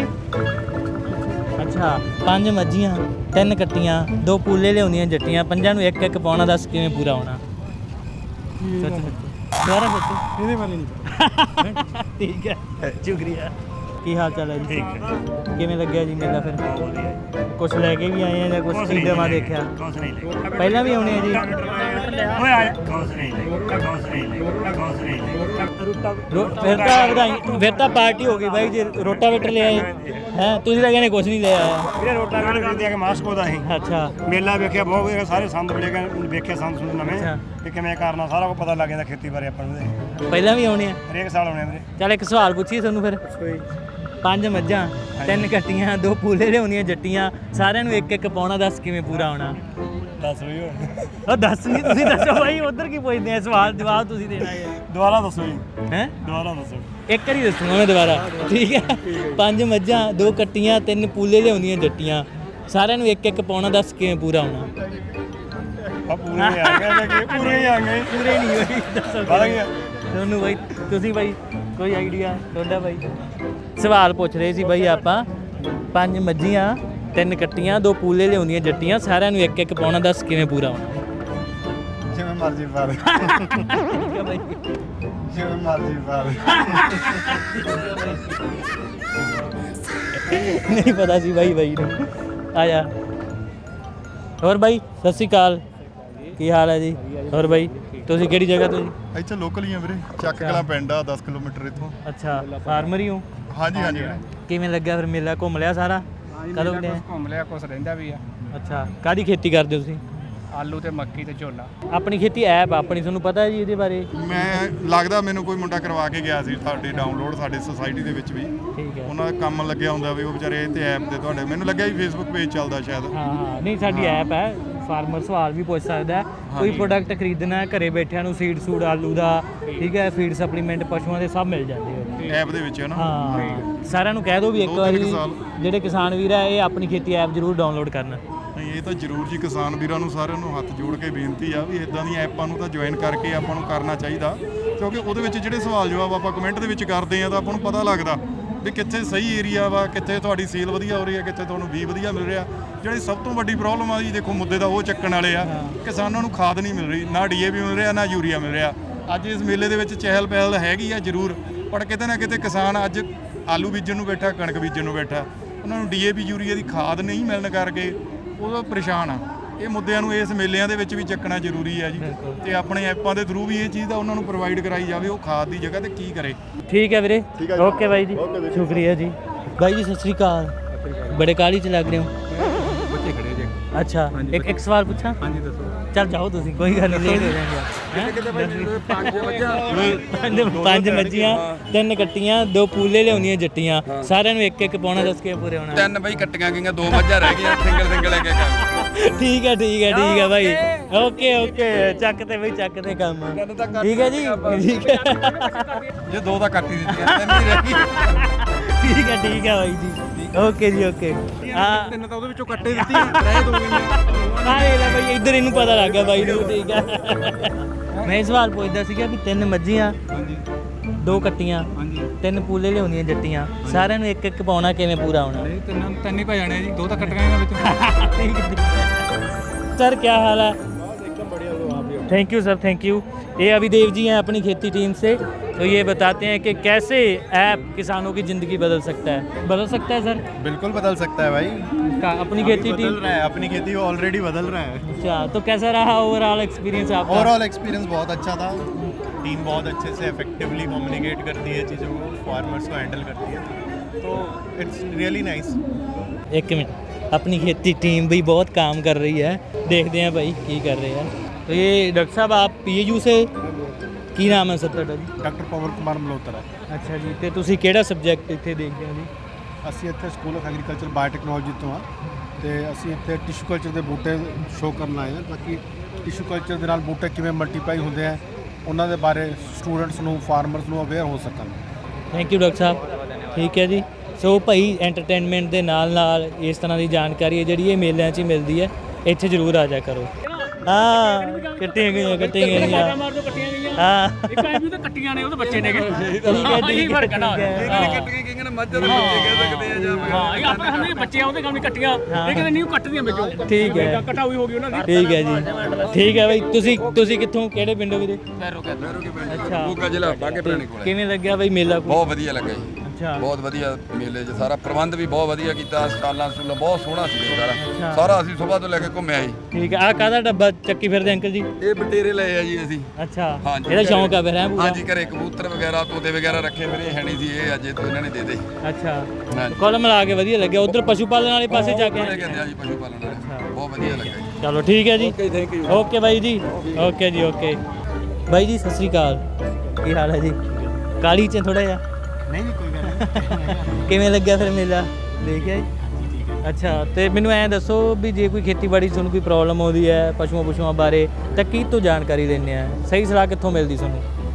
ਅੱਛਾ ਪੰਜ ਮੱਝੀਆਂ ਤਿੰਨ ਕੱਟੀਆਂ ਦੋ ਪੂਲੇ ਲਿਆਉਂਦੀਆਂ ਜੱਟੀਆਂ ਪੰਜਾਂ ਨੂੰ ਇੱਕ ਇੱਕ ਪਾਉਣਾ ਦੱਸ ਕਿਵੇਂ ਪੂਰਾ ਹੋਣਾ ਸੱਚ ਸੱਚ ਦੁਬਾਰਾ ਸੱਚ ਇਹਦੇ ਬਾਰੇ ਨਹੀਂ ਠੀਕ ਹੈ ਸ਼ੁਕਰੀਆ ਕੀ ਹਾਲ ਚਾਲ ਹੈ ਜੀ ਠੀਕ ਹੈ ਕਿਵੇਂ ਲੱਗਿਆ ਜੀ ਮੇਲਾ ਫਿਰ ਕੁਝ ਲੈ ਕੇ ਵੀ ਆਏ ਆ ਜਾਂ ਕੁਝ ਖਰੀਦਵਾ ਦੇਖਿਆ ਪਹਿਲਾਂ ਵੀ ਆਉਣੇ ਆ ਜੀ ਓਏ ਆ ਰੋ- ਫਿਰ ਤਾਂ ਵਧਾਈ ਫਿਰ ਤਾਂ ਪਾਰਟੀ ਹੋ ਗਈ ਬਾਈ ਜੀ ਰੋਟਾਵੇਟਰ ਲੈ ਆਏ ਹੈ ਤੁਸੀਂ ਤਾਂ ਕਹਿੰਦੇ ਕੁਝ ਨਹੀਂ ਲੈ ਆਇਆ ਵੀਰੇ ਰੋਟਾ ਵੇਟ ਕਰਦੇ ਆ ਕਿ ਮਾਸਕੋ ਦਾ ਅਸੀਂ ਅੱਛਾ ਮੇਲਾ ਵੇਖਿਆ ਬਹੁਤ ਵਧੀਆ ਸਾਰੇ ਸੰਦ ਮਿਲੇ ਗਏ ਵੇਖਿਆ ਸੰਦ ਸੁੰਦ ਨਵੇਂ ਅੱਛਾ। ਕਿ ਕਿਵੇਂ ਕਰਨਾ ਸਾਰਾ ਕੁਝ ਪਤਾ ਲੱਗ ਜਾਂਦਾ ਖੇਤੀ ਬਾਰੇ ਆਪਾਂ ਨੂੰ ਇਹਦੇ। ਪਹਿਲਾਂ ਵੀ ਆਉਣੇ ਆ ਹਰੇਕ ਸਾਲ ਆਉਣੇ ਆ ਵੀਰੇ ਚੱਲ ਇੱਕ ਸਵਾਲ ਪੁੱਛੀਏ ਤੁਹਾਨੂੰ ਫਿਰ ਪੰਜ ਮੱਝਾਂ ਤਿੰਨ ਕੱਟੀਆਂ ਦੋ ਪੂਲੇ ਲਿਆਉਂਦੀਆਂ ਜੱਟੀਆਂ ਸਾਰਿਆਂ ਨੂੰ ਇੱਕ ਇੱਕ ਪਾਉਣਾ ਦੱਸ ਕਿਵੇਂ ਪੂਰਾ ਹੋਣਾ ਦੱਸ ਵੀ ਉਹ ਦੱਸ ਨਹੀਂ ਤੁਸੀਂ ਦੱਸੋ ਬਾਈ ਉਧਰ ਕੀ ਪੁੱਛਦੇ ਆ ਸਵਾਲ ਜਵਾਬ ਤੁਸੀਂ ਦੇਣਾ ਹੈ ਦੁਬਾਰਾ ਦੱਸੋ ਜੀ ਹੈ ਦੁਬਾਰਾ ਦੱਸੋ ਇੱਕ ਵਾਰੀ ਦੱਸੂਗਾ ਮੈਂ ਦੁਬਾਰਾ, ਠੀਕ ਹੈ? ਪੰਜ ਮੱਝਾਂ, ਦੋ ਕੱਟੀਆਂ, ਤਿੰਨ ਪੂਲੇ ਲਿਆਉਂਦੀਆਂ ਜੱਟੀਆਂ, ਸਾਰਿਆਂ ਨੂੰ ਇੱਕ ਇੱਕ ਪਾਉਣਾ, ਦੱਸ ਕਿਵੇਂ ਪੂਰਾ ਹੋਣਾ? ਆ ਪੂਰੇ ਆ ਗਏ ਕਿ ਪੂਰੇ ਹੀ ਆ ਗਏ ਪੂਰੇ ਨਹੀਂ ਹੋਈ, ਦੱਸੋ ਪਤਾ ਕੀ ਆ? ਤੁਹਾਨੂੰ ਬਾਈ, ਤੁਸੀਂ ਬਾਈ ਕੋਈ ਆਈਡੀਆ ਤੁਹਾਡਾ ਬਾਈ? ਸਵਾਲ ਪੁੱਛ ਰਹੇ ਸੀ ਬਾਈ ਆਪਾਂ, ਪੰਜ ਮੱਝੀਆਂ, ਤਿੰਨ ਕੱਟੀਆਂ, ਦੋ ਪੂਲੇ ਲਿਆਉਂਦੀਆਂ ਜੱਟੀਆਂ, ਸਾਰਿਆਂ ਨੂੰ ਇੱਕ ਇੱਕ ਪਾਉਣਾ, ਦੱਸ ਕਿਵੇਂ ਪੂਰਾ ਹੋਣਾ? ਜਿਵੇਂ ਮਰਜ਼ੀ ਪਾ ਦੇ ਠੀਕ ਹੈ ਬਾਈ। ਜਿਵੇਂ ਮਰਜ਼ੀ ਪਾ ਦੇ ਨਹੀਂ ਪਤਾ ਸੀ ਬਾਈ ਬਾਈ ਨੂੰ। ਆ ਜਾ। ਹੋਰ ਬਾਈ ਸਤਿ ਸ਼੍ਰੀ ਅਕਾਲ, ਕੀ ਹਾਲ ਹੈ ਜੀ? ਹੋਰ ਬਾਈ ਤੁਸੀਂ ਕਿਹੜੀ ਜਗ੍ਹਾ ਤੋਂ ਜੀ? ਇੱਥੇ ਲੋਕਲ ਹੀ ਆ ਵੀਰੇ, ਚੱਕ ਕਲਾਂ ਪਿੰਡ ਆ ਦਸ ਕਿਲੋਮੀਟਰ ਇੱਥੋਂ। ਅੱਛਾ, ਫਾਰਮਰ ਹੀ ਹੋ? ਹਾਂਜੀ ਹਾਂਜੀ ਵੀਰੇ। ਕਿਵੇਂ ਲੱਗਿਆ ਫਿਰ ਮੇਲਾ? ਘੁੰਮ ਲਿਆ ਸਾਰਾ? ਕਦੋਂ ਗਏ? ਘੁੰਮ ਲਿਆ, ਕੁਛ ਰਹਿੰਦਾ ਵੀ ਆ। ਅੱਛਾ, ਕਾਹਦੀ ਖੇਤੀ ਕਰਦੇ ਹੋ ਤੁਸੀਂ? ਆਲੂ ਤੇ ਮੱਕੀ ਤੇ ਝੋਨਾ। ਆਪਣੀ ਖੇਤੀ ਐਪ ਆਪਣੀ, ਤੁਹਾਨੂੰ ਪਤਾ ਹੈ ਜੀ ਇਹਦੇ ਬਾਰੇ? ਮੈਂ ਲੱਗਦਾ ਮੈਨੂੰ ਕੋਈ ਮੁੰਡਾ ਕਰਵਾ ਕੇ ਗਿਆ ਸੀ ਤੁਹਾਡੇ ਡਾਊਨਲੋਡ, ਸਾਡੇ ਸੁਸਾਇਟੀ ਦੇ ਵਿੱਚ ਵੀ ਠੀਕ ਹੈ। ਉਹਨਾਂ ਦਾ ਕੰਮ ਲੱਗਿਆ ਹੁੰਦਾ ਵੀ ਉਹ ਵਿਚਾਰੇ ਤੇ ਐਪ ਤੇ ਤੁਹਾਡੇ, ਮੈਨੂੰ ਲੱਗਿਆ ਵੀ ਫੇਸਬੁੱਕ ਪੇਜ ਚੱਲਦਾ ਸ਼ਾਇਦ। ਹਾਂ ਹਾਂ, ਨਹੀਂ ਸਾਡੀ ਐਪ ਹੈ, ਫਾਰਮਰ ਸਵਾਲ ਵੀ ਪੁੱਛ ਸਕਦਾ ਹੈ। ਕੋਈ ਪ੍ਰੋਡਕਟ ਖਰੀਦਣਾ ਹੈ ਘਰੇ ਬੈਠਿਆਂ ਨੂੰ, ਸੀਡ ਸੂਡ ਆਲੂ ਦਾ, ਠੀਕ ਹੈ, ਫੀਡ ਸਪਲੀਮੈਂਟ ਪਸ਼ੂਆਂ ਦੇ ਸਭ ਮਿਲ ਜਾਂਦੇ ਆ ਐਪ ਦੇ ਵਿੱਚ ਹੈ ਨਾ। ਹਾਂ, ਸਾਰਿਆਂ ਨੂੰ ਕਹਿ ਦਿਓ ਵੀ ਇੱਕ ਦੋ ਤਿੰਨ ਵਾਰੀ ਸਾਲ। ਜਿਹੜੇ ਕਿਸਾਨ ਵੀਰ ਆ ਇਹ ਆਪਣੀ ਖੇਤੀ ਐਪ ਜ਼ਰੂਰ ਡਾਊਨਲੋਡ ਕਰਨ। ਨਹੀਂ ਇਹ ਤਾਂ ਜ਼ਰੂਰ ਜੀ, ਕਿਸਾਨ ਵੀਰਾਂ ਨੂੰ ਸਾਰਿਆਂ ਨੂੰ ਹੱਥ ਜੋੜ ਕੇ ਬੇਨਤੀ ਆ ਵੀ ਇਦਾਂ ਦੀਆਂ ਐਪਾਂ ਨੂੰ ਤਾਂ ਜੁਆਇਨ ਕਰਕੇ ਆਪਾਂ ਨੂੰ ਕਰਨਾ ਚਾਹੀਦਾ, ਕਿਉਂਕਿ ਉਹਦੇ ਵਿੱਚ ਜਿਹੜੇ ਸਵਾਲ ਜਵਾਬ ਆਪਾਂ ਕਮੈਂਟ ਦੇ ਵਿੱਚ ਕਰਦੇ ਆ ਤਾਂ ਆਪਾਂ ਨੂੰ ਪਤਾ ਲੱਗਦਾ ਵੀ ਕਿੱਥੇ ਸਹੀ ਏਰੀਆ ਵਾ, ਕਿੱਥੇ ਤੁਹਾਡੀ ਸੇਲ ਵਧੀਆ ਹੋ ਰਹੀ ਹੈ, ਕਿੱਥੇ ਤੁਹਾਨੂੰ ਵੀ ਵਧੀਆ ਮਿਲ ਰਿਹਾ। ਜਿਹੜੀ ਸਭ ਤੋਂ ਵੱਡੀ ਪ੍ਰੋਬਲਮ ਆ ਜੀ ਦੇਖੋ ਮੁੱਦੇ ਦਾ ਉਹ ਚੱਕਣ ਵਾਲੇ ਆ, ਕਿਸਾਨਾਂ ਨੂੰ ਖਾਦ ਨਹੀਂ ਮਿਲ ਰਹੀ, ਨਾ ਡੀਏਪੀ ਮਿਲ ਰਿਹਾ, ਨਾ ਯੂਰੀਆ ਮਿਲ ਰਿਹਾ। ਅੱਜ ਇਸ ਮੇਲੇ ਦੇ ਵਿੱਚ ਚਹਿਲ ਪਹਿਲ ਹੈਗੀ ਆ ਜ਼ਰੂਰ, ਪਰ ਕਿਤੇ ਨਾ ਕਿਤੇ ਕਿਸਾਨ ਅੱਜ ਆਲੂ ਬੀਜਣ ਨੂੰ ਬੈਠਾ, ਕਣਕ ਬੀਜਣ ਨੂੰ ਬੈਠਾ, ਉਹਨਾਂ ਨੂੰ ਡੀਏਪੀ ਯੂਰੀਆ ਦੀ ਖਾਦ ਨਹੀਂ ਮਿਲਣ ਕਰਕੇ ਉਹ ਪਰੇਸ਼ਾਨ ਆ। ਇਹ ਮੁੱਦਿਆਂ ਨੂੰ ਇਸ ਮੇਲਿਆਂ ਦੇ ਵਿੱਚ ਵੀ ਚੱਕਣਾ ਜ਼ਰੂਰੀ ਹੈ ਜੀ, ਤੇ ਆਪਣੇ ਐਪਾਂ ਦੇ ਥਰੂ ਵੀ ਇਹ ਚੀਜ਼ ਦਾ ਉਹਨਾਂ ਨੂੰ ਪ੍ਰੋਵਾਈਡ ਕਰਾਈ ਜਾਵੇ, ਉਹ ਖਾਦ ਦੀ ਜਗ੍ਹਾ ਤੇ ਕੀ ਕਰੇ। ਠੀਕ ਹੈ ਵੀਰੇ, ਓਕੇ ਬਾਈ ਜੀ, ਸ਼ੁਕਰੀਆ ਜੀ। ਬਾਈ ਜੀ ਸਤਿ ਸ਼੍ਰੀ ਅਕਾਲ, ਬੜੇ ਕਾਹਲੀ ਚ ਲੱਗ ਰਹੇ ਹੋ? ਬੱਚੇ ਖੜੇ ਜੇ। ਅੱਛਾ, ਇੱਕ ਇੱਕ ਸਵਾਲ ਪੁੱਛਾਂ? ਹਾਂਜੀ ਦੱਸੋ। ਚੱਲ ਜਾਓ ਤੁਸੀਂ, ਕੋਈ ਗੱਲ ਨਹੀਂ, ਲੇਟ ਹੋ ਜਾਣਗੇ। ਕਿਤੇ ਪੰਜ ਪੰਜ ਪੰਜ ਮੱਝੀਆਂ, ਤਿੰਨ ਕੱਟੀਆਂ, ਦੋ ਪੂਲੇ ਲਿਆਉਣੀਆਂ ਜੱਟੀਆਂ, ਸਾਰਿਆਂ ਨੂੰ ਇੱਕ ਇੱਕ ਪਾਉਣਾ, ਦੱਸ ਕੇ ਪੂਰੇ ਹੋਣਾ? ਤਿੰਨ ਬਈ ਕੱਟੀਆਂ ਗਈਆਂ, ਦੋ ਮੱਝਾਂ ਰਹਿ ਗਈਆਂ, ਸਿੰਗਲ ਸਿੰਗਲ ਇੱਕ ਇੱਕ। ਠੀਕ ਹੈ ਠੀਕ ਹੈ ਠੀਕ ਹੈ ਬਾਈ, ਓਕੇ ਓਕੇ, ਚੱਕ ਤੇ ਬਈ ਚੱਕ ਤੇ ਕੰਮ, ਠੀਕ ਹੈ ਜੀ, ਠੀਕ ਹੈ ਜੇ ਦੋ ਤਾਂ ਕੱਟ ਹੀ ਦਿੱਤੀਆਂ, ਤਿੰਨ ਹੀ ਰਹਿ ਗਈਆਂ। ਠੀਕ ਹੈ ਠੀਕ ਹੈ ਬਾਈ ਜੀ, ਓਕੇ ਜੀ ਓਕੇ। ਹਾਂ ਤਿੰਨ ਤਾਂ ਉਹਦੇ ਵਿੱਚੋਂ ਕੱਟੇ ਦਿੱਤੀਆਂ, ਰਹਿ ਦੋ ਗਈਆਂ। ਹਾਂ ਇਹ ਲੈ ਬਾਈ, ਇੱਧਰ ਇਹਨੂੰ ਪਤਾ ਲੱਗ ਗਿਆ ਬਾਈ ਨੂੰ, ਠੀਕ ਹੈ। ਮੈਂ ਇਹ ਸਵਾਲ ਪੁੱਛਦਾ ਸੀਗਾ ਵੀ ਤਿੰਨ ਮੱਝੀਆਂ, ਦੋ ਕੱਟੀਆਂ, ਤਿੰਨ ਪੂਲੇ ਲਿਆਉਂਦੀਆਂ ਜੱਟੀਆਂ, ਸਾਰਿਆਂ ਨੂੰ ਇੱਕ ਇੱਕ ਪਾਉਣਾ, ਕਿਵੇਂ ਪੂਰਾ ਹੋਣਾ? ਨਹੀਂ ਤਿੰਨ ਤਿੰਨ ਹੀ ਪੈ ਜਾਣੇ ਜੀ, ਦੋ ਤਾਂ ਕੱਟੀਆਂ ਇਹਨਾਂ ਵਿੱਚ। सर क्या हाल है? Thank you sir, thank you. ये अभिदेव जी हैं अपनी खेती टीम से, तो ये बताते हैं कि कैसे ऐप किसानों की ज़िंदगी बदल सकता है। बदल सकता है सर? बिल्कुल बदल सकता है भाई, का अपनी खेती टीम रहा है, अपनी खेती ऑलरेडी बदल रहा है। अच्छा, तो कैसा रहा ओवरऑल एक्सपीरियंस आपका? ओवरऑल एक्सपीरियंस बहुत अच्छा था, टीम बहुत अच्छे से इफेक्टिवली कम्युनिकेट करती है चीज़ों को, फार्मर्स को हैंडल करती है, तो इट्स रियली नाइस। एक मिनट, अपनी खेती टीम भी बहुत काम कर रही है, देखते हैं भाई की कर रहे हैं। तो ये डॉक्टर साहब आप पीएयू से, ਕੀ ਨਾਮ ਹੈ ਸਰ ਤੁਹਾਡਾ ਜੀ? ਡਾਕਟਰ ਪਵਨ ਕੁਮਾਰ ਮਲਹੋਤਰਾ। ਅੱਛਾ ਜੀ, ਤੇ ਤੁਸੀਂ ਕਿਹੜਾ ਸਬਜੈਕਟ ਇੱਥੇ ਦੇਖਦੇ ਹੋ ਜੀ? ਅਸੀਂ ਇੱਥੇ ਸਕੂਲ ਆਫ ਐਗਰੀਕਲਚਰ ਬਾਇਓਟੈਕਨੋਲੋਜੀ ਤੋਂ ਆ, ਤੇ ਅਸੀਂ ਇੱਥੇ ਟਿਸ਼ੂ ਕਲਚਰ ਦੇ ਬੂਟੇ ਸ਼ੋਅ ਕਰਨ ਆਏ ਹਾਂ, ਤਾਂ ਕਿ ਟਿਸ਼ੂ ਕਲਚਰ ਦੇ ਨਾਲ ਬੂਟੇ ਕਿਵੇਂ ਮਲਟੀਪਲਾਈ ਹੁੰਦੇ ਆ ਉਹਨਾਂ ਦੇ ਬਾਰੇ ਸਟੂਡੈਂਟਸ ਨੂੰ, ਫਾਰਮਰਸ ਨੂੰ ਅਵੇਅਰ ਹੋ ਸਕਣ। ਥੈਂਕ ਯੂ ਡਾਕਟਰ ਸਾਹਿਬ, ਠੀਕ ਹੈ ਜੀ। ਸੋ ਭਾਈ ਐਂਟਰਟੇਨਮੈਂਟ ਦੇ ਨਾਲ ਨਾਲ ਇਸ ਤਰ੍ਹਾਂ ਦੀ ਜਾਣਕਾਰੀ ਹੈ ਜਿਹੜੀ ਇਹ ਮੇਲਿਆਂ 'ਚ ਹੀ ਮਿਲਦੀ ਹੈ, ਇੱਥੇ ਜ਼ਰੂਰ ਆ ਜਾ ਕਰੋ। ਹਾਂ ਕੱਟੀਆਂ ਗਈਆਂ ਕੱਟੀਆਂ ਗਈਆਂ ਹਾਂ, ਇੱਕ ਐ ਵੀ ਤਾਂ ਕੱਟੀਆਂ ਨੇ, ਉਹਦੇ ਬੱਚੇ ਨੇਗੇ। ਠੀਕ ਹੈ ਠੀਕ ਹੈ ਠੀਕ ਹੈ ਕੱਟੀਆਂ ਗਈਆਂ ਨੇ, ਮੱਝ ਦਾ ਕਹਿ ਸਕਦੇ ਆ ਜਾਂ ਹਾਂ, ਇਹ ਆਪਣੇ ਹੰਨੇ ਬੱਚੇ ਆ, ਉਹਦੇ ਕੰਮ ਨਹੀਂ ਕੱਟੀਆਂ, ਇਹ ਕਹਿੰਦੇ ਨਹੀਂ ਉਹ ਕੱਟਦੀਆਂ ਵਿੱਚੋਂ। ਠੀਕ ਹੈ, ਕਟਾਈ ਹੋ ਗਈ ਉਹਨਾਂ ਦੀ। ਠੀਕ ਹੈ ਜੀ, ਠੀਕ ਹੈ ਬਾਈ। ਤੁਸੀਂ ਤੁਸੀਂ ਕਿੱਥੋਂ, ਕਿਹੜੇ ਪਿੰਡੋਂ ਵੀਰੇ? ਅੱਛਾ, ਮੋਗਾ ਜ਼ਿਲ੍ਹਾ ਬਾਗੇ ਪੁਰਾਣੇ ਕੋਲ। ਕਿਵੇਂ ਲੱਗਿਆ ਬਾਈ ਮੇਲਾ? ਬਹੁਤ ਵਧੀਆ ਲੱਗਾ ਜੀ, ਅੱਛਾ, ਬਹੁਤ ਵਧੀਆ ਮੇਲੇ 'ਚ ਸਾਰਾ ਪ੍ਰਬੰਧ ਵੀ ਬਹੁਤ ਵਧੀਆ ਕੀਤਾ, ਸਟਾਲਾਂ ਸਟੂਲਾਂ ਬਹੁਤ ਸੋਹਣਾ ਸੀ ਸਾਰਾ ਸਾਰਾ ਅਸੀਂ ਸਵੇਰ ਤੋਂ ਲੈ ਕੇ ਘੁੰਮਿਆ ਜੀ। ਠੀਕ ਹੈ। ਆਹ ਕਾਹਦਾ ਡੱਬਾ ਚੱਕੀ ਫਿਰਦੇ ਅੰਕਲ ਜੀ? ਇਹ ਬਟੇਰੇ ਲਏ ਆ ਜੀ ਅਸੀਂ। ਅੱਛਾ, ਹਾਂਜੀ, ਇਹਦਾ ਸ਼ੌਂਕ ਆ ਫਿਰ ਹੈ ਪੂਰਾ? ਹਾਂਜੀ, ਘਰੇ ਕਬੂਤਰ ਵਗੈਰਾ, ਤੋਤੇ ਵਗੈਰਾ ਰੱਖੇ ਮੇਰੇ ਹੈ ਨਹੀਂ ਸੀ, ਇਹ ਅੱਜ ਤੋਂ ਇਹਨਾਂ ਨੇ ਦੇ ਦੇ। ਅੱਛਾ, ਹਾਂਜੀ, ਕੋਲ ਮਿਲਾ ਕੇ ਵਧੀਆ ਲੱਗਿਆ। ਉਧਰ ਪਸ਼ੂ ਪਾਲਣ ਵਾਲੇ ਪਾਸੇ ਜਾ ਕੇ ਇਹ ਕਹਿੰਦੇ ਆ ਜੀ ਪਸ਼ੂ ਪਾਲਣ ਵਾਲੇ, ਬਹੁਤ ਵਧੀਆ ਲੱਗਾ ਜੀ। ਚਲੋ ਠੀਕ ਹੈ ਜੀ, okay, thank you. Okay bye ਜੀ, ਓਕੇ ਜੀ ਓਕੇ। ਬਾਈ ਜੀ ਸਤਿ ਸ੍ਰੀ ਅਕਾਲ, ਕੀ ਹਾਲ ਹੈ ਜੀ? ਕਾਲੀ ਚ ਥੋੜਾ ਜਿਹਾ? ਨਹੀਂ ਨਹੀਂ ਕੋਈ ਗੱਲ ਨਹੀਂ। ਕਿਵੇਂ ਲੱਗਿਆ ਫਿਰ ਮੇਲਾ ਦੇਖਿਆ ਜੀ? ਅੱਛਾ, ਤੇ ਮੈਨੂੰ ਐਂ ਦੱਸੋ ਵੀ ਜੇ ਕੋਈ ਖੇਤੀਬਾੜੀ 'ਚ ਤੁਹਾਨੂੰ ਕੋਈ ਪ੍ਰੋਬਲਮ ਆਉਂਦੀ ਹੈ ਪਸ਼ੂਆਂ ਪਸ਼ੂਆਂ ਬਾਰੇ, ਤਾਂ ਕੀ ਤੋਂ ਜਾਣਕਾਰੀ ਲੈਂਦੇ ਆ? ਸਹੀ ਸਲਾਹ ਕਿੱਥੋਂ ਮਿਲਦੀ ਤੁਹਾਨੂੰ?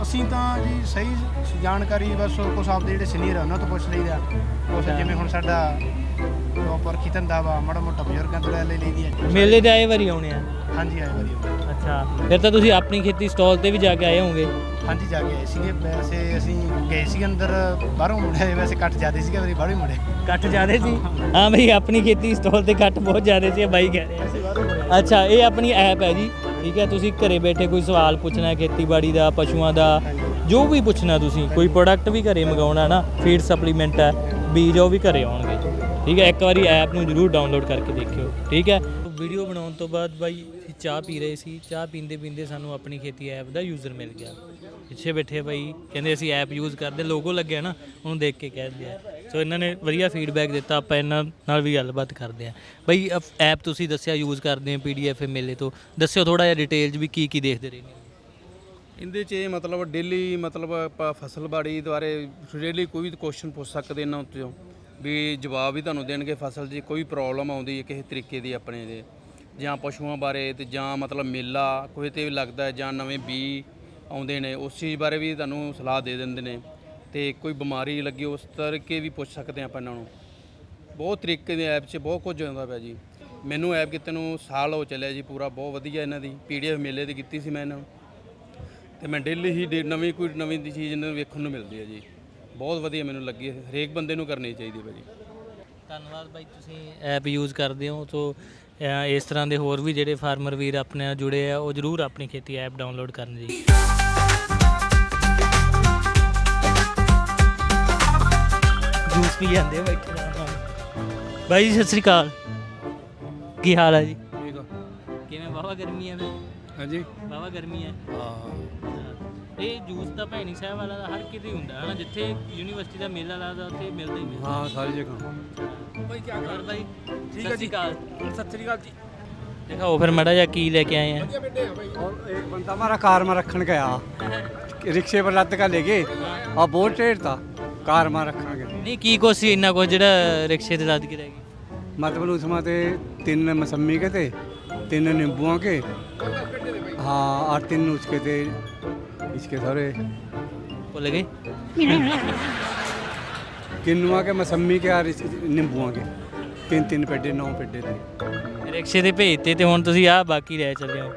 ਅਸੀਂ ਤਾਂ ਜੀ ਸਹੀ ਜਾਣਕਾਰੀ ਬਸ ਕੁਛ ਆਪਦੇ ਜਿਹੜੇ ਸੀਨੀਅਰ ਆ ਉਹਨਾਂ ਤੋਂ ਪੁੱਛ ਲਈਦਾ ਕੁਛ ਜਿਵੇਂ ਹੁਣ ਸਾਡਾ ਪ੍ਰੋਪਰ ਕੀ ਧੰਦਾ ਵਾ ਮਾੜਾ ਮੋਟਾ ਬਜ਼ੁਰਗਾਂ ਤੋਂ ਲੈ ਲਈਦੀ ਹੈ। ਮੇਲੇ ਤੇ ਆਏ ਵਾਰੀ ਆਉਣੇ ਆ। ਹਾਂਜੀ ਆਏ ਵਧੀਆ। ਅੱਛਾ, ਫਿਰ ਤਾਂ ਤੁਸੀਂ ਆਪਣੀ ਖੇਤੀ ਸਟਾਲ ਤੇ ਵੀ ਜਾ ਕੇ ਆਏ ਹੋਵੋਗੇ। ਹਾਂਜੀ ਜਾ ਕੇ ਆਏ ਸੀਗੇ, ਵੈਸੇ ਅਸੀਂ ਗਏ ਸੀ ਅੰਦਰ ਬਾਹਰੋਂ ਮੁੜੇ, ਵੈਸੇ ਕੱਟ ਜ਼ਿਆਦਾ ਸੀਗਾ ਵਾਰੀ ਬਾਹਰੋਂ ਹੀ ਮੁੜੇ। ਕੱਟ ਜ਼ਿਆਦੇ ਸੀ? ਹਾਂ ਬਈ, ਆਪਣੀ ਖੇਤੀ ਸਟਾਲ ਤੇ ਕੱਟ ਬਹੁਤ ਜ਼ਿਆਦੇ ਸੀ ਬਾਈ ਕਹਿ ਰਿਹਾ। ਅੱਛਾ, ਇਹ ਆਪਣੀ ਐਪ ਹੈ ਜੀ, ਠੀਕ ਹੈ। ਤੁਸੀਂ ਘਰੇ ਬੈਠੇ ਕੋਈ ਸਵਾਲ ਪੁੱਛਣਾ ਖੇਤੀਬਾੜੀ ਦਾ, ਪਸ਼ੂਆਂ ਦਾ, ਜੋ ਵੀ ਪੁੱਛਣਾ ਤੁਸੀਂ, ਕੋਈ ਪ੍ਰੋਡਕਟ ਵੀ ਘਰੇ ਮੰਗਾਉਣਾ ਨਾ, ਫੀਡ ਸਪਲੀਮੈਂਟ ਹੈ, ਬੀਜ ਉਹ ਵੀ ਘਰੇ ਆਉਣਗੇ, ਠੀਕ ਹੈ। ਇੱਕ ਵਾਰੀ ਐਪ ਨੂੰ ਜ਼ਰੂਰ ਡਾਊਨਲੋਡ ਕਰਕੇ ਦੇਖਿਓ, ਠੀਕ ਹੈ। ਵੀਡੀਓ ਬਣਾਉਣ ਤੋਂ ਬਾਅਦ ਬਾਈ ਚਾਹ ਪੀ ਰਹੇ ਸੀ, ਚਾਹ ਪੀਂਦੇ ਪੀਂਦੇ ਸਾਨੂੰ ਆਪਣੀ ਖੇਤੀ ਐਪ ਦਾ ਯੂਜ਼ਰ ਮਿਲ ਗਿਆ। ਪਿੱਛੇ ਬੈਠੇ ਬਾਈ ਕਹਿੰਦੇ ਅਸੀਂ ਐਪ ਯੂਜ਼ ਕਰਦੇ, ਲੋਗੋ ਲੱਗਿਆ ਨਾ ਉਹਨੂੰ ਦੇਖ ਕੇ ਕਹਿ ਦਿਆ। ਸੋ ਇਹਨਾਂ ਨੇ ਵਧੀਆ ਫੀਡਬੈਕ ਦਿੱਤਾ, ਆਪਾਂ ਇਹਨਾਂ ਨਾਲ ਵੀ ਗੱਲਬਾਤ ਕਰਦੇ ਹਾਂ। ਬਾਈ ਐਪ ਤੁਸੀਂ ਦੱਸਿਆ ਯੂਜ਼ ਕਰਦੇ ਹੋ ਪੀ ਡੀ ਐਫ ਮੇਲੇ ਤੋਂ, ਦੱਸਿਓ ਥੋੜ੍ਹਾ ਜਿਹਾ ਡਿਟੇਲ 'ਚ ਵੀ ਕੀ ਕੀ ਦੇਖਦੇ ਰਹੇ ਨੇ ਇਹਦੇ 'ਚ। ਮਤਲਬ ਡੇਲੀ ਮਤਲਬ ਆਪਾਂ ਫਸਲਬਾੜੀ ਬਾਰੇ ਡੇਲੀ ਕੋਈ ਵੀ ਕੁਐਸਚਨ ਪੁੱਛ ਸਕਦੇ ਇਹਨਾਂ ਉੱਤੇ ਵੀ ਜਵਾਬ ਵੀ ਤੁਹਾਨੂੰ ਦੇਣਗੇ। ਫਸਲ 'ਚ ਕੋਈ ਪ੍ਰੋਬਲਮ ਆਉਂਦੀ ਹੈ ਕਿਸੇ ਤਰੀਕੇ ਦੀ ਆਪਣੇ ਦੇ, ਜਾਂ ਪਸ਼ੂਆਂ ਬਾਰੇ, ਤੇ ਜਾਂ ਮਤਲਬ ਮੇਲਾ ਕੋਈ ਤੇ ਵੀ ਲੱਗਦਾ, ਜਾਂ ਨਵੇਂ ਬੀ ਆਉਂਦੇ ਨੇ ਉਸ ਚੀਜ਼ ਬਾਰੇ ਵੀ ਤੁਹਾਨੂੰ ਸਲਾਹ ਦੇ ਦਿੰਦੇ ਨੇ, ਤੇ ਕੋਈ ਬਿਮਾਰੀ ਲੱਗੀ ਉਸ ਤਰੀਕੇ ਵੀ ਪੁੱਛ ਸਕਦੇ ਆਪਾਂ ਇਹਨਾਂ ਨੂੰ। ਬਹੁਤ ਤਰੀਕੇ ਦੇ ਐਪ 'ਚ ਬਹੁਤ ਕੁਝ ਆਉਂਦਾ ਪਿਆ ਜੀ। ਮੈਨੂੰ ਐਪ ਕਿਤੇ ਨੂੰ ਸਾਲ ਹੋ ਚੱਲਿਆ ਜੀ ਪੂਰਾ, ਬਹੁਤ ਵਧੀਆ ਇਹਨਾਂ ਦੀ ਪੀ ਡੀ ਐਫ ਮੇਲੇ ਦੀ ਕੀਤੀ ਸੀ ਮੈਂ ਇਹਨਾਂ ਨੂੰ, ਤੇ ਮੈਂ ਡੇਲੀ ਹੀ ਡੇ ਨਵੀਂ ਕੋਈ ਨਵੀਂ ਦੀ ਚੀਜ਼ ਇਹਨਾਂ ਨੂੰ ਵੇਖਣ ਨੂੰ ਮਿਲਦੀ ਹੈ ਜੀ। ਬਹੁਤ ਵਧੀਆ ਮੈਨੂੰ ਲੱਗੀ, ਹਰੇਕ ਬੰਦੇ ਨੂੰ ਕਰਨੀ ਚਾਹੀਦੀ ਹੈ ਭਾਜੀ। ਧੰਨਵਾਦ ਬਾਈ, ਤੁਸੀਂ ਐਪ ਯੂਜ਼ ਕਰਦੇ ਹੋ। ਸੋ ਇਸ ਤਰ੍ਹਾਂ ਦੇ ਹੋਰ ਵੀ ਜਿਹੜੇ ਫਾਰਮਰ ਵੀਰ ਆਪਣੇ ਨਾਲ ਜੁੜੇ ਆ, ਉਹ ਜ਼ਰੂਰ ਆਪਣੀ ਖੇਤੀ ਐਪ ਡਾਊਨਲੋਡ ਕਰਨ ਜੀ। ਜੂਸ ਪੀ ਜਾਂਦੇ ਆ ਬੈਠੇ ਨਾਲ। ਬਾਈ ਜੀ ਸਤਿ ਸ੍ਰੀ ਅਕਾਲ, ਕੀ ਹਾਲ ਹੈ ਜੀ? ਠੀਕ ਆ। ਕਿਵੇਂ, ਵਾਹਵਾ ਗਰਮੀ ਹੈ? ਹਾਂਜੀ ਵਾਹਵਾ ਗਰਮੀ ਹੈ। ਹਾਂ, ਇਹ ਜੂਸ ਤਾਂ ਭੈਣੀ ਸਾਹਿਬ ਵਾਲਾ ਦਾ ਹਰ ਕਿਤੇ ਹੁੰਦਾ ਹੈ ਨਾ, ਜਿੱਥੇ ਯੂਨੀਵਰਸਿਟੀ ਦਾ ਮੇਲਾ ਲੱਗਦਾ ਉੱਥੇ ਮਿਲਦਾ ਹੀ ਮਿਲਦਾ। ਹਾਂ ਸਾਰੀ ਜਗ੍ਹਾ। ਬਾਈ ਕੀ ਹਾਲ ਬਾਈ? ਠੀਕ ਹੈ ਜੀ। ਸਤਿ ਸ੍ਰੀ ਅਕਾਲ ਜੀ। ਦਿਖਾਓ ਫਿਰ ਮਾੜਾ ਜਿਹਾ ਕੀ ਲੈ ਕੇ ਆਏ ਆ। और एक बंदा हमारा कार में रखने गया, रिक्शे पर लद का ले गए और बहुत टेढ़ था, कार में रखा गया। ਨਹੀਂ ਕੀ ਕੁਛ ਸੀ ਇੰਨਾ ਕੁਝ ਜਿਹੜਾ ਰਿਕਸ਼ੇ ਤੇ ਲੱਦ ਕੇ ਰਹਿ ਗਈ? मतलब उसमें ते तीन मौसमी के थे, तीन नींबुओं के, हाँ और तीन उसके थे इसके सारे ਭੁੱਲ ਗਏ? किन्नुआ के मौसमी के और इस- नींबुओं के तीन तीन पेडे नौ पेडे थे। ਰਿਕਸ਼ੇ ਤੇ ਭੇਜਤੇ ਤੇ ਹੁਣ ਤੁਸੀਂ ਆ ਬਾਕੀ ਰਹਿ ਚੱਲੇ ਹੋ।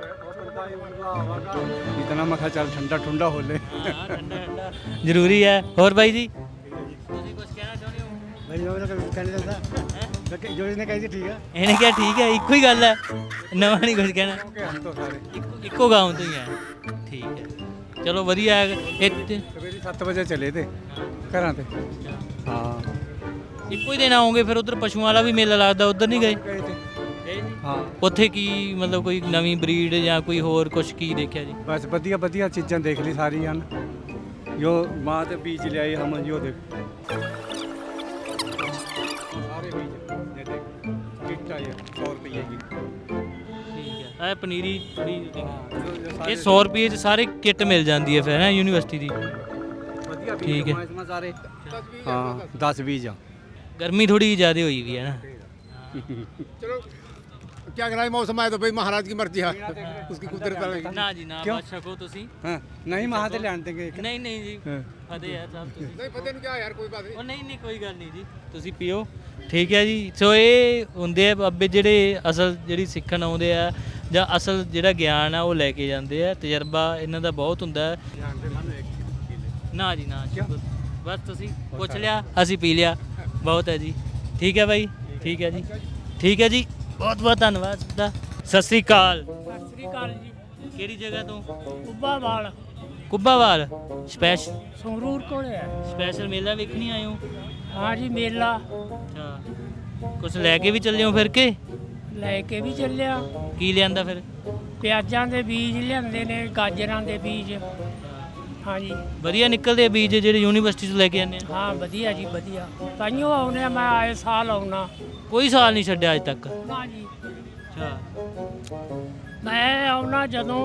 इतना मखा चल ठंडा ठंडा हो ले। ਹਾਂ ਠੰਡਾ ਠੰਡਾ ਜ਼ਰੂਰੀ ਹੈ। ਹੋਰ ਬਾਈ ਜੀ ਤੁਸੀਂ ਕੁਝ ਕਹਿਣਾ ਚਾਹੁੰਦੇ ਹੋ? भाई जो कहने चलता ਹੈਂ? जो इसने कही थी ठीक है। ਇਹਨੇ ਕਿਹਾ ਠੀਕ ਹੈ, ਇੱਕੋ ਹੀ ਗੱਲ ਹੈ, ਨਵਾਂ ਨਹੀਂ ਕੁਝ ਕਹਿਣਾ। हम तो सारे ਇੱਕੋ ਇੱਕੋ ਗਾਉਂ ਤੋਂ ਹੀ ਹੈ, ਠੀਕ ਹੈ। ਚਲੋ ਵਧੀਆ ਹੈ। ਇੱਥੇ सवेरे सत्त बजे चले थे घर ते। हाँ ਇੱਕੋ ਹੀ ਦਿਨ ਆਉਂਗੇ ਫਿਰ ਉਧਰ ਪਸ਼ੂਆਂ ਵਾਲਾ ਵੀ ਮੇਲਾ ਲੱਗਦਾ, ਉਧਰ ਨਹੀਂ ਗਏ? गए थे। हाँ ਉੱਥੇ ਕੀ ਮਤਲਬ ਕੋਈ ਨਵੀਂ ਬਰੀਡ ਜਾਂ ਕੋਈ ਹੋਰ ਕੁਝ ਕੀ ਦੇਖਿਆ ਜੀ? बस बढ़िया बढ़िया चीज़ां देख ली सारी हैं। जो माँ के बीज ले आई हम यो देख सारे बीज ये देख किट्टा ये सौ रुपये की। ਠੀਕ ਹੈ। ਇਹ ਪਨੀਰੀ ਥੋੜੀ जो- जो ਇਹ ਸੌ ਰੁਪਏ ਚ ਸਾਰੇ ਕਿੱਟ ਮਿਲ ਜਾਂਦੀ ਹੈ ਫਿਰ ਹੈ ਯੂਨੀਵਰਸਿਟੀ ਦੀ। बढ़िया बीज ठीक है। हैं इसमें सारे। हाँ दस बीज हैं। ਗਰਮੀ ਥੋੜੀ ਜ਼ਿਆਦਾ ਹੋਈ ਵੀ ਹੈ ਨਾ। चलो क्या कराए, मौसम आए तो भाई महाराज की मर्जी है, उसकी कुदरत है। ਨਾ ਜੀ ਨਾ, क्यों? ਬਸ ਛਕੋ ਤੁਸੀਂ। हाँ नहीं वहाँ से ले आने देंगे। ਨਹੀਂ ਨਹੀਂ ਜੀ, हाँ। ਫਤਿਹ ਹੈ ਸਾਹਿਬ ਤੁਸੀਂ। नहीं पता नहीं क्या यार, कोई बात नहीं। ਉਹ ਨਹੀਂ ਨਹੀਂ ਕੋਈ ਗੱਲ ਨਹੀਂ ਜੀ, ਤੁਸੀਂ ਪੀਓ, ਠੀਕ ਹੈ ਜੀ। ਸੋ ਇਹ ਹੁੰਦੇ ਆ ਬਾਬੇ ਜਿਹੜੇ ਅਸਲ ਜਿਹੜੀ ਸਿੱਖਣ ਆਉਂਦੇ ਆ, ਜਾਂ ਅਸਲ ਜਿਹੜਾ ਗਿਆਨ ਆ ਉਹ ਲੈ ਕੇ ਜਾਂਦੇ ਆ। ਤਜਰਬਾ ਇਹਨਾਂ ਦਾ ਬਹੁਤ ਹੁੰਦਾ ਹੈ। ਨਾ ਜੀ ਨਾ, ਸ਼ੁਕਰ। ਬਸ ਤੁਸੀਂ ਪੁੱਛ ਲਿਆ, ਅਸੀਂ ਪੀ ਲਿਆ, ਬਹੁਤ ਹੈ ਜੀ। ਠੀਕ ਹੈ ਬਾਈ, ਠੀਕ ਹੈ ਜੀ, ਠੀਕ ਹੈ ਜੀ, ਬਹੁਤ ਬਹੁਤ ਧੰਨਵਾਦ ਦਾ। ਸਤਿ ਸ੍ਰੀ ਅਕਾਲ। ਸਤਿ ਸ੍ਰੀ ਅਕਾਲ ਜੀ। ਕਿਹੜੀ ਜਗ੍ਹਾ ਤੋਂ? ਕੁੱਬਾਵਾਲ ਕੁੱਬਾਵਾਲ। ਸਪੈਸ਼ ਸੰਗਰੂਰ ਕੋਲ ਹੈ। ਸਪੈਸ਼ਲ ਮੇਲਾ ਵੇਖਣੀ ਆਏ ਹੋ? ਹਾਂ ਜੀ ਮੇਲਾ ਅੱਛਾ, ਕੁਛ ਲੈ ਕੇ ਵੀ ਚੱਲੇ ਹੋ ਫਿਰ ਕੇ? ਲੈ ਕੇ ਵੀ ਚੱਲਿਆ। ਕੀ ਲਿਆਂਦਾ ਫਿਰ? ਪਿਆਜ਼ਾਂ ਦੇ ਬੀਜ ਲਿਆਂਦੇ ਨੇ, ਗਾਜਰਾਂ ਦੇ ਬੀਜ। ਹਾਂ ਜੀ ਵਧੀਆ ਨਿਕਲਦੇ ਆ ਬੀਜ ਜਿਹੜੇ ਯੂਨੀਵਰਸਿਟੀ ਤੋਂ ਲੈ ਕੇ ਆਉਂਦੇ ਆ? ਹਾਂ ਵਧੀਆ ਜੀ ਵਧੀਆ, ਤਾਈਓ ਆਉਨੇ ਆ, ਮੈਂ ਆਏ ਸਾਲ ਆਉਣਾ। ਕੋਈ ਸਾਲ ਨਹੀਂ ਛੱਡਿਆ ਅੱਜ ਤੱਕ? ਨਾ ਜੀ, ਅੱਛਾ, ਮੈਂ ਆਉਣਾ ਜਦੋਂ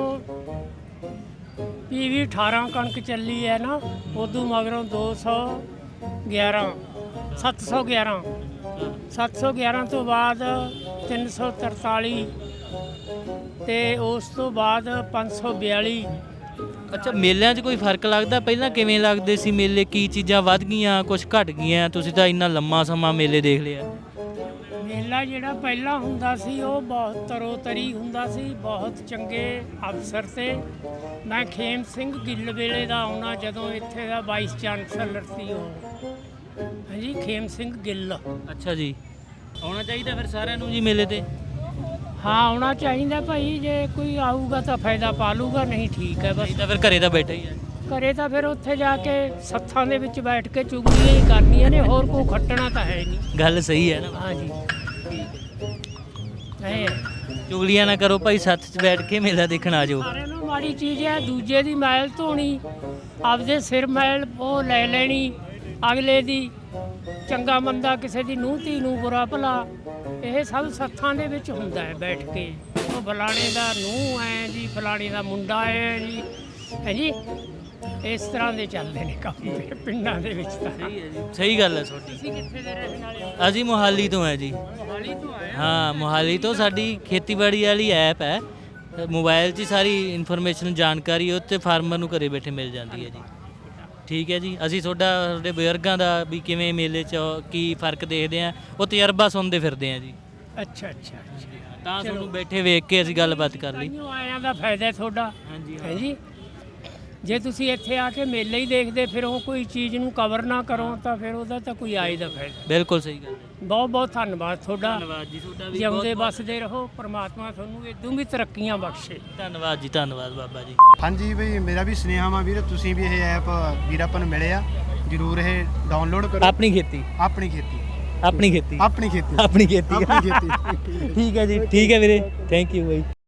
ਪੀ ਵੀ ਅਠਾਰਾਂ ਕਣਕ ਚੱਲੀ ਹੈ ਨਾ, ਉਦੋਂ ਮਗਰੋਂ ਦੋ ਸੌ ਗਿਆਰਾਂ ਸੱਤ ਸੌ ਗਿਆਰਾਂ ਸੱਤ ਸੌ ਗਿਆਰਾਂ ਤੋਂ ਬਾਅਦ ਤਿੰਨ ਸੌ ਤਰਤਾਲੀ ਤੇ ਉਸ ਤੋਂ ਬਾਅਦ ਪੰਜ ਸੌ ਬਿਆਲੀ, ਅੱਛਾ, ਮੇਲਿਆਂ 'ਚ ਕੋਈ ਫਰਕ ਲੱਗਦਾ? ਪਹਿਲਾਂ ਕਿਵੇਂ ਲੱਗਦੇ ਸੀ ਮੇਲੇ? ਕੀ ਚੀਜ਼ਾਂ ਵੱਧ ਗਈਆਂ, ਕੁਝ ਘਟ ਗਈਆਂ? ਤੁਸੀਂ ਤਾਂ ਇੰਨਾ ਲੰਮਾ ਸਮਾਂ ਮੇਲੇ ਦੇਖ ਲਿਆ। ਮੇਲਾ ਜਿਹੜਾ ਪਹਿਲਾਂ ਹੁੰਦਾ ਸੀ ਉਹ ਬਹੁਤ ਤਰੋ-ਤਰੀ ਹੁੰਦਾ ਸੀ, ਬਹੁਤ ਚੰਗੇ ਅਫਸਰ ਤੇ ਮੈਂ ਖੇਮ ਸਿੰਘ ਗਿੱਲ ਵੇਲੇ ਦਾ ਆਉਣਾ, ਜਦੋਂ ਇੱਥੇ ਦਾ ਵਾਈਸ ਚਾਂਸਲਰ ਸੀ ਉਹ, ਹਾਂਜੀ ਖੇਮ ਸਿੰਘ ਗਿੱਲ। ਅੱਛਾ ਜੀ, ਆਉਣਾ ਚਾਹੀਦਾ ਫਿਰ ਸਾਰਿਆਂ ਨੂੰ ਜੀ ਮੇਲੇ ਤੇ? ਹਾਂ ਆਉਣਾ ਚਾਹੀਦਾ ਭਾਈ, ਜੇ ਕੋਈ ਆਊਗਾ ਤਾਂ ਫਾਇਦਾ ਪਾ ਲੂਗਾ, ਨਹੀਂ ਠੀਕ ਹੈ ਬਸ। ਨਹੀਂ ਤਾਂ ਫਿਰ ਘਰੇ ਤਾਂ ਬੈਠਾ ਹੀ ਹੈ। ਘਰੇ ਤਾਂ ਫਿਰ ਉੱਥੇ ਜਾ ਕੇ ਸੱਥਾਂ ਦੇ ਵਿੱਚ ਬੈਠ ਕੇ ਚੁਗਲੀਆਂ ਹੀ ਕਰਨੀਆਂ ਨੇ, ਹੋਰ ਕੋਈ ਖੱਟਣਾ ਤਾਂ ਹੈ ਨਹੀਂ। ਗੱਲ ਸਹੀ ਹੈ ਨਾ? ਹਾਂਜੀ ਇਹ ਚੁਗਲੀਆਂ ਨਾ ਕਰੋ ਭਾਈ, ਸੱਥ 'ਚ ਬੈਠ ਕੇ ਮੇਲਾ ਦੇਖਣ ਆ ਜਾਓ। ਸਾਰਿਆਂ ਨੂੰ ਮਾੜੀ ਚੀਜ਼ ਹੈ, ਦੂਜੇ ਦੀ ਮੈਲ ਧੋਣੀ, ਆਪਦੇ ਸਿਰ ਮੈਲ ਉਹ ਲੈ ਲੈਣੀ, ਅਗਲੇ ਦੀ ਚੰਗਾ ਮੰਦਾ, ਕਿਸੇ ਦੀ ਨੂੰਹ ਧੀ ਨੂੰ ਬੁਰਾ ਭਲਾ, ਇਹ ਸਭ ਸੱਥਾਂ ਦੇ ਵਿੱਚ ਹੁੰਦਾ ਹੈ ਬੈਠ ਕੇ। ਉਹ ਫਲਾਣੇ ਦਾ ਨੂੰਹ ਹੈ ਜੀ, ਫਲਾਣੇ ਦਾ ਮੁੰਡਾ ਹੈ ਜੀ, ਹੈ ਜੀ, ਇਸ ਤਰ੍ਹਾਂ ਦੇ ਚੱਲਦੇ ਨੇ ਕੰਮ ਤੇ ਪਿੰਡਾਂ ਦੇ ਵਿੱਚ ਤਾਂ। ਸਹੀ ਹੈ ਜੀ, ਸਹੀ ਗੱਲ ਹੈ ਤੁਹਾਡੀ। ਤੁਸੀਂ ਕਿੱਥੇ ਦੇ ਰਹਿਣ ਵਾਲੇ ਹੋ? ਅਸੀਂ ਮੋਹਾਲੀ ਤੋਂ ਹੈ ਜੀ। ਮੋਹਾਲੀ ਤੋਂ ਆਏ? ਹਾਂ, ਮੋਹਾਲੀ ਤੋਂ। ਸਾਡੀ ਖੇਤੀਬਾੜੀ ਵਾਲੀ ਐਪ ਹੈ, ਮੋਬਾਈਲ 'ਚ ਹੀ ਸਾਰੀ ਇਨਫੋਰਮੇਸ਼ਨ ਜਾਣਕਾਰੀ ਉੱਤੇ ਫਾਰਮਰ ਨੂੰ ਘਰੇ ਬੈਠੇ ਮਿਲ ਜਾਂਦੀ ਹੈ ਜੀ। ਠੀਕ ਹੈ ਜੀ, ਅਸੀਂ ਤੁਹਾਡਾ ਤੁਹਾਡੇ ਬਜ਼ੁਰਗਾਂ ਦਾ ਵੀ ਕਿਵੇਂ ਮੇਲੇ 'ਚ ਕੀ ਫਰਕ ਦੇਖਦੇ ਆ, ਉਹ ਤਜਰਬਾ ਸੁਣਦੇ ਫਿਰਦੇ ਆ ਜੀ। ਅੱਛਾ ਅੱਛਾ ਅੱਛਾ, ਤਾਂ ਤੁਹਾਨੂੰ ਬੈਠੇ ਵੇਖ ਕੇ ਅਸੀਂ ਗੱਲਬਾਤ ਕਰ ਲਈ। ਤਾਂਹੀਓ ਆਇਆਂ ਦਾ ਫਾਇਦਾ ਹੈ ਤੁਹਾਡਾ। ਹਾਂਜੀ ਹੈ ਜੀ, ਜੇ ਤੁਸੀਂ ਇੱਥੇ ਆ ਕੇ ਮੇਲੇ ਹੀ ਦੇਖਦੇ ਫਿਰ ਉਹ ਕੋਈ ਚੀਜ਼ ਨੂੰ ਕਵਰ ਨਾ ਕਰੋ ਤਾਂ ਫਿਰ ਉਹਦਾ ਤਾਂ ਕੋਈ ਆਏ ਦਾ ਫਾਇਦਾ। ਬਿਲਕੁਲ ਸਹੀ ਗੱਲ ਹੈ। ਬਹੁਤ ਬਹੁਤ ਧੰਨਵਾਦ ਤੁਹਾਡਾ। ਧੰਨਵਾਦ ਜੀ ਤੁਹਾਡਾ ਵੀ। ਜਿਉਂਦੇ ਵੱਸਦੇ ਰਹੋ, ਪ੍ਰਮਾਤਮਾ ਤੁਹਾਨੂੰ ਇਦੋਂ ਵੀ ਤਰੱਕੀਆਂ ਬਖਸ਼ੇ। ਧੰਨਵਾਦ ਜੀ, ਧੰਨਵਾਦ ਬਾਬਾ ਜੀ। ਹਾਂਜੀ ਬਈ, ਮੇਰਾ ਵੀ ਸੁਨੇਹਾ ਵਾ ਵੀਰ, ਤੁਸੀਂ ਵੀ ਇਹ ਐਪ ਵੀਰ ਆਪਾਂ ਨੂੰ ਮਿਲਿਆ, ਜਰੂਰ ਇਹ ਡਾਊਨਲੋਡ ਕਰੋ। ਆਪਣੀ ਖੇਤੀ, ਆਪਣੀ ਖੇਤੀ, ਆਪਣੀ ਖੇਤੀ, ਆਪਣੀ ਖੇਤੀ, ਆਪਣੀ ਖੇਤੀ। ਆਪਣੀ ਖੇਤੀ। ਠੀਕ ਹੈ ਜੀ, ਠੀਕ ਹੈ ਵੀਰੇ, ਥੈਂਕ ਯੂ ਬਾਈ।